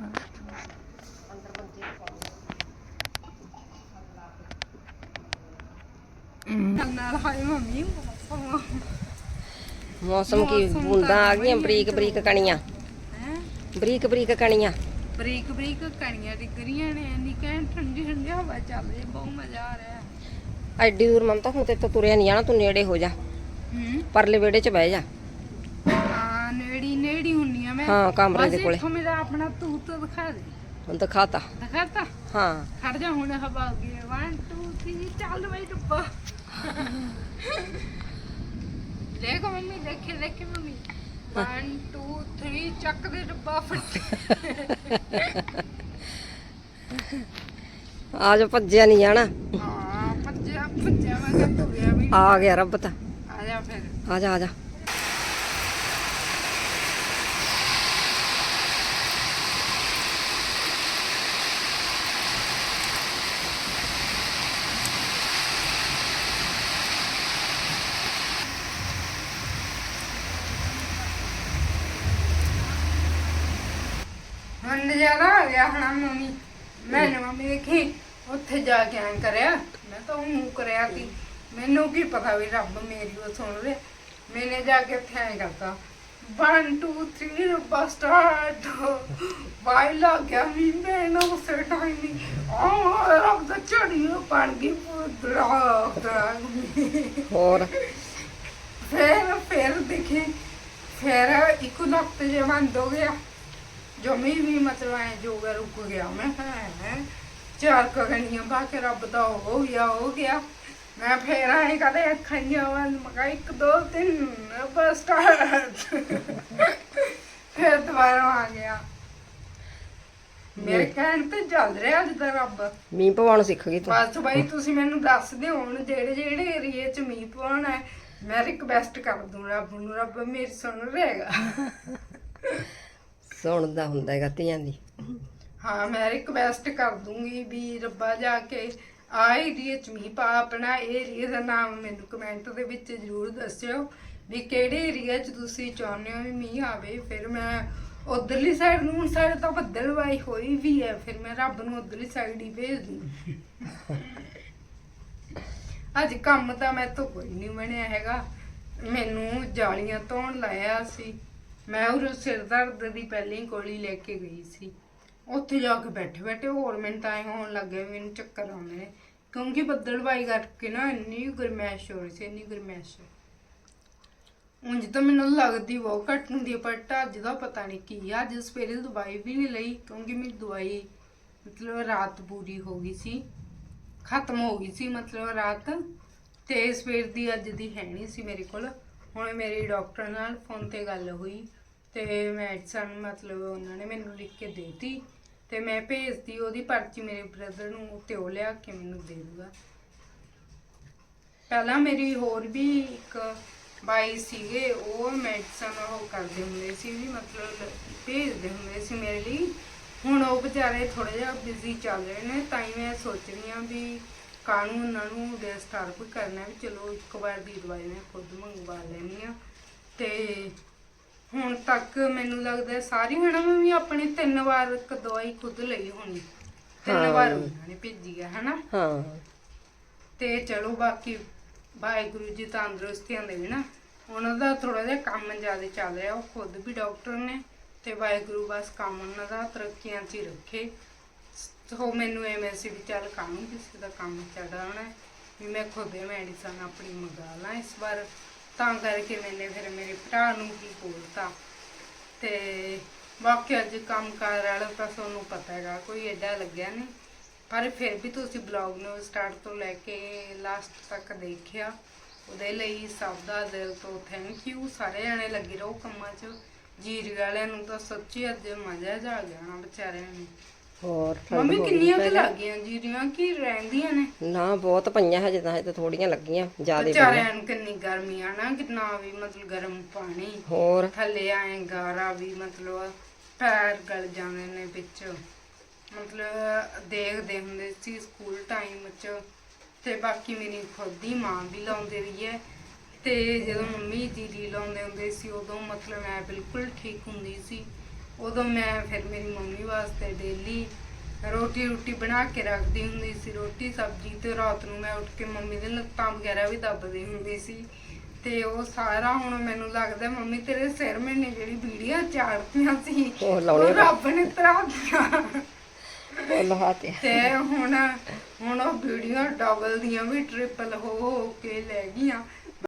[SPEAKER 2] ਮੌਸਮ ਕੀ ਬੂੰਦਾਂ ਆ ਗਈਆਂ, ਬਰੀਕ ਬਰੀਕ ਕਣੀਆਂ, ਬਰੀਕ ਬਰੀਕ ਕਣੀਆਂ,
[SPEAKER 1] ਬਰੀਕ ਬਰੀਕ ਕਣੀਆਂ ਡਿੱਗ ਰਹੀਆਂ ਨੇ। ਇੰਨੀ ਕਹਿਣ ਠੰਡੀ ਠੰਡੀ ਹਵਾ ਚੱਲ ਰਹੀ, ਬਹੁਤ ਮਜ਼ਾ ਆ ਰਿਹਾ।
[SPEAKER 2] ਐਡੀ ਦੂਰ ਮਮਤਾ ਹੁਣ ਤੇ ਤੁਰਿਆ ਨਹੀਂ ਜਾਣਾ, ਤੂੰ ਨੇੜੇ ਹੋ ਜਾ, ਪਰਲੇ ਵਿਹੜੇ 'ਚ ਬਹਿ ਜਾ।
[SPEAKER 1] ਹਾਂ ਨੇੜੀ ਹੁੰਨੀ ਆ ਮੈਂ।
[SPEAKER 2] ਹਾਂ ਕਮਰੇ ਦੇ ਕੋਲੇ।
[SPEAKER 1] ਇੱਥੋਂ ਮੇਰਾ ਆਪਣਾ ਤੂਤ ਦਿਖਾ ਦੇ।
[SPEAKER 2] ਹੁਣ ਦਿਖਾਤਾ।
[SPEAKER 1] ਦਿਖਾਤਾ?
[SPEAKER 2] ਹਾਂ
[SPEAKER 1] ਖੜ ਜਾ ਹੁਣ ਹਵਾ ਆ ਗਈ। 1 2 3 ਚੱਲ ਬਈ ਡੱਬਾ। ਦੇਖੋ ਮੰਮੀ, ਦੇਖੇ ਮੰਮੀ। 1 2 3 ਚੱਕ ਦੇ ਡੱਬਾ ਫਟ।
[SPEAKER 2] ਆ ਜਾ, ਭੱਜਿਆ ਨਹੀਂ ਜਾਣਾ।
[SPEAKER 1] ਹਾਂ ਭੱਜਿਆ ਮੈਂ ਕਿਹਾ ਤੁਰਿਆ ਵੀ।
[SPEAKER 2] ਆ ਗਿਆ ਰੱਬ ਤਾਂ।
[SPEAKER 1] ਆ ਜਾ ਫਿਰ।
[SPEAKER 2] ਆ ਜਾ
[SPEAKER 1] ਹੁਣ ਨਜ਼ਾਰਾ ਆ ਗਿਆ ਹਣਾ ਮੰਮੀ। ਮੰਮੀ ਦੇਖੀ ਉੱਥੇ ਜਾ ਕੇ ਐਂ ਕਰਿਆ, ਮੈਂ ਤਾਂ ਉਹ ਮੂੰਹ ਕਰਿਆ ਸੀ। ਮੈਨੂੰ ਕੀ ਪਤਾ ਵੀ ਰੱਬ ਮੇਰੀ ਉਹ ਸੁਣ ਰਿਹਾ। ਮੈਨੇ ਜਾ ਕੇ ਉੱਥੇ ਐਂ ਕਰਤਾ 1 2 3 ਰੱਬਾ ਸਟਾਰਟ। ਬਾਈ ਲੱਗ ਗਿਆ ਵੀ ਮੈਂ ਨਾ ਉਸੇ ਟਾਈਮ ਹੀ ਰੱਬ ਦਾ ਝੜੀ ਬਣ ਗਈ ਪੁੱਤਰਾ।
[SPEAKER 2] ਹੋਰ
[SPEAKER 1] ਫਿਰ ਦੇਖੀ ਫਿਰ ਇੱਕ ਲੱਖ ਜੇ ਬੰਦ ਹੋ ਗਿਆ। ਜਮੀ ਵੀ ਮਤਲਬ ਐ ਜੋਗਾ ਰੁਕ ਗਿਆ। ਮੈਂ ਕਿਹਾ ਚਾਰ ਕਗਣੀਆਂ ਪਾ ਕੇ ਰੱਬ ਦਾ ਹੋ ਗਿਆ। ਮੈਂ ਫੇਰ ਆਏ ਕਦੇ ਅੱਖਾਂ ਵੱਲ ਮਗਾ 1 2 3 ਬਸ ਸਟਾਰਟ। ਫਿਰ ਦੁਬਾਰਾ ਆ ਗਿਆ। ਮੇਰੇ ਕਹਿਣ ਤੇ ਚੱਲ ਰਿਹਾ ਅੱਜ ਦਾ ਰੱਬ।
[SPEAKER 2] ਮੀਂਹ ਪਵਾਉਣ ਸਿੱਖ ਗਈ ਤੂੰ।
[SPEAKER 1] ਬਸ ਬਾਈ ਤੁਸੀਂ ਮੈਨੂੰ ਦੱਸ ਦਿਓ ਹੁਣ ਜਿਹੜੇ ਏਰੀਏ 'ਚ ਮੀਂਹ ਪਵਾਉਣਾ ਹੈ। ਮੈਂ ਰਿਕਵੈਸਟ ਕਰ ਦੂੰ ਰੱਬ ਨੂੰ, ਰੱਬ ਮੇਰੀ ਸੁਣ ਰਹੇਗਾ।
[SPEAKER 2] ਸੁਣਦਾ ਹੁੰਦਾ ਹੈਗਾ ਧੀਆਂ ਦੀ।
[SPEAKER 1] ਹਾਂ ਮੈਂ ਰਿਕਵੈਸਟ ਕਰ ਦੂੰਗੀ ਵੀ ਰੱਬਾ ਜਾ ਕੇ ਆ ਏਰੀਏ 'ਚ ਮੀਂਹ ਪਾ। ਆਪਣਾ ਏਰੀਏ ਦਾ ਨਾਮ ਮੈਨੂੰ ਕਮੈਂਟ ਦੇ ਵਿੱਚ ਜ਼ਰੂਰ ਦੱਸਿਓ ਵੀ ਕਿਹੜੇ ਏਰੀਆ 'ਚ ਤੁਸੀਂ ਚਾਹੁੰਦੇ ਹੋ ਵੀ ਮੀਂਹ ਆਵੇ। ਫਿਰ ਮੈਂ ਉਧਰਲੀ ਸਾਈਡ ਨੂੰ, ਹੁਣ ਸਾਡੇ ਤਾਂ ਬੱਦਲਵਾਈ ਹੋਈ ਵੀ ਹੈ, ਫਿਰ ਮੈਂ ਰੱਬ ਨੂੰ ਉਧਰਲੀ ਸਾਈਡ ਹੀ ਭੇਜ ਦੂੰ। ਅੱਜ ਕੰਮ ਤਾਂ ਮੈਂ ਤੋਂ ਕੋਈ ਨਹੀਂ ਬਣਿਆ ਹੈਗਾ। ਮੈਨੂੰ ਜਾਲੀਆਂ ਧੋਣ ਲਾਇਆ ਸੀ। ਮੈਂ ਉਹ ਸਿਰ ਦਰਦ ਦੀ ਪਹਿਲੀ ਗੋਲੀ ਲੈ ਕੇ ਗਈ ਸੀ। ਉੱਥੇ ਜਾ ਕੇ ਬੈਠੇ ਹੋਰ ਮੈਨੂੰ ਤਾਂ ਐਂ ਹੋਣ ਲੱਗ ਗਿਆ ਵੀ ਮੈਨੂੰ ਚੱਕਰ ਆਉਂਦੇ ਨੇ, ਕਿਉਂਕਿ ਬੱਦਲਵਾਈ ਕਰਕੇ ਨਾ ਇੰਨੀ ਗਰਮੈਸ਼ ਹੋ ਰਹੀ ਸੀ, ਇੰਨੀ ਗਰਮੈਸ਼। ਉਂਝ ਤਾਂ ਮੈਨੂੰ ਲੱਗਦੀ ਬਹੁਤ ਘੱਟ ਹੁੰਦੀ ਹੈ, ਪਰ ਅੱਜ ਦਾ ਪਤਾ ਨਹੀਂ ਕੀ ਆ। ਅੱਜ ਸਵੇਰੇ ਦਵਾਈ ਵੀ ਨਹੀਂ ਲਈ, ਕਿਉਂਕਿ ਮੇਰੀ ਦਵਾਈ ਮਤਲਬ ਰਾਤ ਪੂਰੀ ਹੋ ਗਈ ਸੀ, ਖਤਮ ਹੋ ਗਈ ਸੀ ਮਤਲਬ ਰਾਤ। ਤੇ ਸਵੇਰ ਦੀ ਅੱਜ ਦੀ ਹੈ ਨਹੀਂ ਸੀ ਮੇਰੇ ਕੋਲ। ਹੁਣ ਮੇਰੀ ਡਾਕਟਰ ਨਾਲ ਫੋਨ ਤੇ ਗੱਲ ਹੋਈ ਤੇ ਮੈਡੀਸਨ ਮਤਲਬ ਉਹਨਾਂ ਨੇ ਮੈਨੂੰ ਲਿਖ ਕੇ ਦੇਤੀ ਤੇ ਮੈਂ ਭੇਜਤੀ ਉਹਦੀ ਪਰਚੀ ਮੇਰੇ ਬ੍ਰਦਰ ਨੂੰ, ਤੇ ਉਹ ਲਿਆ ਕੇ ਮੈਨੂੰ ਦੇ ਦੂਗਾ। ਪਹਿਲਾਂ ਮੇਰੀ ਹੋਰ ਵੀ ਇੱਕ ਬਾਈ ਸੀਗੇ, ਉਹ ਮੈਡੀਸਨ ਉਹ ਕਰਦੇ ਹੁੰਦੇ ਸੀ ਵੀ ਮਤਲਬ ਭੇਜਦੇ ਹੁੰਦੇ ਸੀ ਮੇਰੇ ਲਈ। ਹੁਣ ਉਹ ਵਿਚਾਰੇ ਥੋੜਾ ਜਿਹਾ ਬਿਜ਼ੀ ਚੱਲ ਰਹੇ ਨੇ, ਤਾਂ ਹੀ ਮੈਂ ਸੋਚ ਰਹੀ ਹਾਂ ਵੀ ਕਾਹਨੂੰ ਉਹਨਾਂ ਨੂੰ ਡਿਸਟਰਬ ਕਰਨਾ, ਵੀ ਚਲੋ ਇੱਕ ਵਾਰ ਦੀ ਦਵਾਈ ਮੈਂ ਖੁਦ ਮੰਗਵਾ ਲੈਂਦੀ ਹਾਂ। ਤੇ ਹੁਣ ਤੱਕ ਮੈਨੂੰ ਲੱਗਦਾ ਸਾਰੀ ਮੈਡਮ ਵੀ ਆਪਣੀ 3 ਵਾਰ ਦਵਾਈ ਖੁਦ ਲਈ ਹੋਣੀ। 3 ਵਾਰ ਉਹਨਾਂ ਨੇ ਭੇਜੀ ਹੈ ਹਨਾ।
[SPEAKER 2] ਹਾਂ
[SPEAKER 1] ਤੇ ਚਲੋ ਬਾਕੀ ਵਾਹਿਗੁਰੂ ਜੀ ਤੰਦਰੁਸਤੀਆਂ ਦੇਵੇ ਨਾ। ਉਹਨਾਂ ਦਾ ਥੋੜਾ ਜਿਹਾ ਕੰਮ ਜ਼ਿਆਦਾ ਚੱਲ ਰਿਹਾ, ਉਹ ਖੁਦ ਵੀ ਡਾਕਟਰ ਨੇ, ਤੇ ਵਾਹਿਗੁਰੂ ਬਸ ਕੰਮ ਉਹਨਾਂ ਦਾ ਤਰੱਕੀਆਂ 'ਚ ਹੀ ਰੱਖੇ। ਸੋ ਮੈਨੂੰ ਐਵੇਂ ਸੀ ਵੀ ਚੱਲ ਕਾਹਨੂੰ ਕਿਸੇ ਦਾ ਕੰਮ ਚੜਾਉਣਾ, ਵੀ ਮੈਂ ਖੁਦ ਮੈਡੀਸਨ ਆਪਣੀ ਮੰਗਾ ਲਾਂ ਇਸ ਵਾਰ। ਤਾਂ ਕਰਕੇ ਮੈਨੇ ਫਿਰ ਮੇਰੇ ਭਰਾ ਨੂੰ ਵੀ ਬੋਲਤਾ। ਤੇ ਬਾਕੀ ਅੱਜ ਕੰਮ ਕਾਰ ਵਾਲਾ ਤਾਂ ਤੁਹਾਨੂੰ ਪਤਾ ਹੈਗਾ, ਕੋਈ ਐਡਾ ਲੱਗਿਆ ਨਹੀਂ। ਪਰ ਫਿਰ ਵੀ ਤੁਸੀਂ ਬਲੌਗ ਨੂੰ ਸਟਾਰਟ ਤੋਂ ਲੈ ਕੇ ਲਾਸਟ ਤੱਕ ਦੇਖਿਆ, ਉਹਦੇ ਲਈ ਸਭ ਦਾ ਦਿਲ ਤੋਂ ਥੈਂਕ ਯੂ। ਸਾਰੇ ਜਣੇ ਲੱਗੇ ਰਹੋ ਕੰਮਾਂ 'ਚ। ਜੀਰੀ ਵਾਲਿਆਂ ਨੂੰ ਤਾਂ ਸੱਚੀ ਅੱਜ ਮਜ਼ਾ ਜਾ ਆ ਗਿਆ ਨਾ ਵਿਚਾਰਿਆਂ ਨੂੰ।
[SPEAKER 2] ਹੋਰ ਠੰਡ
[SPEAKER 1] ਮੰਮੀ
[SPEAKER 2] ਹੋ ਗਈ
[SPEAKER 1] ਕਿੰਨੀਆਂ ਕੁ
[SPEAKER 2] ਪਹਿਲਾਂ।
[SPEAKER 1] ਲੱਗ ਗਈਆਂ ਜੀਰੀਆਂ ਕੀ ਰਹਿੰਦੀਆਂ ਨੇ?
[SPEAKER 2] ਨਾ ਬਹੁਤ ਪਈਆਂ ਹਜੇ ਤਾਂ ਥੋੜੀਆਂ ਲੱਗੀਆਂ, ਜ਼ਿਆਦਾ
[SPEAKER 1] ਵਿਚਾਰਿਆਂ ਨੂੰ ਕਿੰਨੀ ਗਰਮੀ ਆ ਨਾ, ਕਿੰਨਾ ਵੀ ਮਤਲਬ ਗਰਮ ਪਾਣੀ
[SPEAKER 2] ਹੋਰ
[SPEAKER 1] ਥੱਲੇ ਆਏ ਗਾਰਾ ਵੀ, ਮਤਲਬ ਪੈਰ ਗਲ ਜਾਂਦੇ ਨੇ ਵਿੱਚ। ਮਤਲਬ ਦੇਖਦੇ ਹੁੰਦੇ ਸੀ ਸਕੂਲ ਟਾਈਮ 'ਚ, ਤੇ ਬਾਕੀ ਮੇਰੀ ਖੁਦ ਦੀ ਮਾਂ ਵੀ ਲਾਉਂਦੇ ਰਹੀ ਹੈ। ਤੇ ਜਦੋਂ ਮੰਮੀ ਜੀਰੀ ਲਾਉਂਦੇ ਹੁੰਦੇ ਸੀ ਉਦੋਂ ਮਤਲਬ ਮੈਂ ਬਿਲਕੁਲ ਠੀਕ ਹੁੰਦੀ ਸੀ। ਉਦੋਂ ਮੈਂ ਫਿਰ ਮੇਰੀ ਮੰਮੀ ਵਾਸਤੇ ਡੇਲੀ ਰੋਟੀ ਬਣਾ ਕੇ ਰੱਖਦੀ ਹੁੰਦੀ ਸੀ, ਰੋਟੀ ਸਬਜ਼ੀ, ਤੇ ਰਾਤ ਨੂੰ ਮੈਂ ਉੱਠ ਕੇ ਮੰਮੀ ਦੇ ਲੱਤਾਂ ਵਗੈਰਾ ਵੀ ਦੱਬਦੀ ਹੁੰਦੀ ਸੀ। ਤੇ ਉਹ ਸਾਰਾ ਹੁਣ ਮੈਨੂੰ ਲੱਗਦਾ ਮੰਮੀ ਤੇਰੇ ਸਿਰ ਮੈਨੇ ਜਿਹੜੀ ਵੀਡੀਓ ਚਾੜਤੀਆਂ ਸੀ
[SPEAKER 2] ਉਹ
[SPEAKER 1] ਉਹ
[SPEAKER 2] ਲਾਉਣੀਆਂ
[SPEAKER 1] ਰੱਬ ਨੇ ਤਰਾਤੀਆਂ।
[SPEAKER 2] ਉਹ ਲਹਾਤੇ
[SPEAKER 1] ਤੇ ਹੁਣ ਉਹ ਵੀਡੀਓ ਡਬਲ ਦੀਆਂ ਵੀ ਟ੍ਰਿਪਲ ਹੋ ਕੇ ਲੈ ਗਈਆਂ।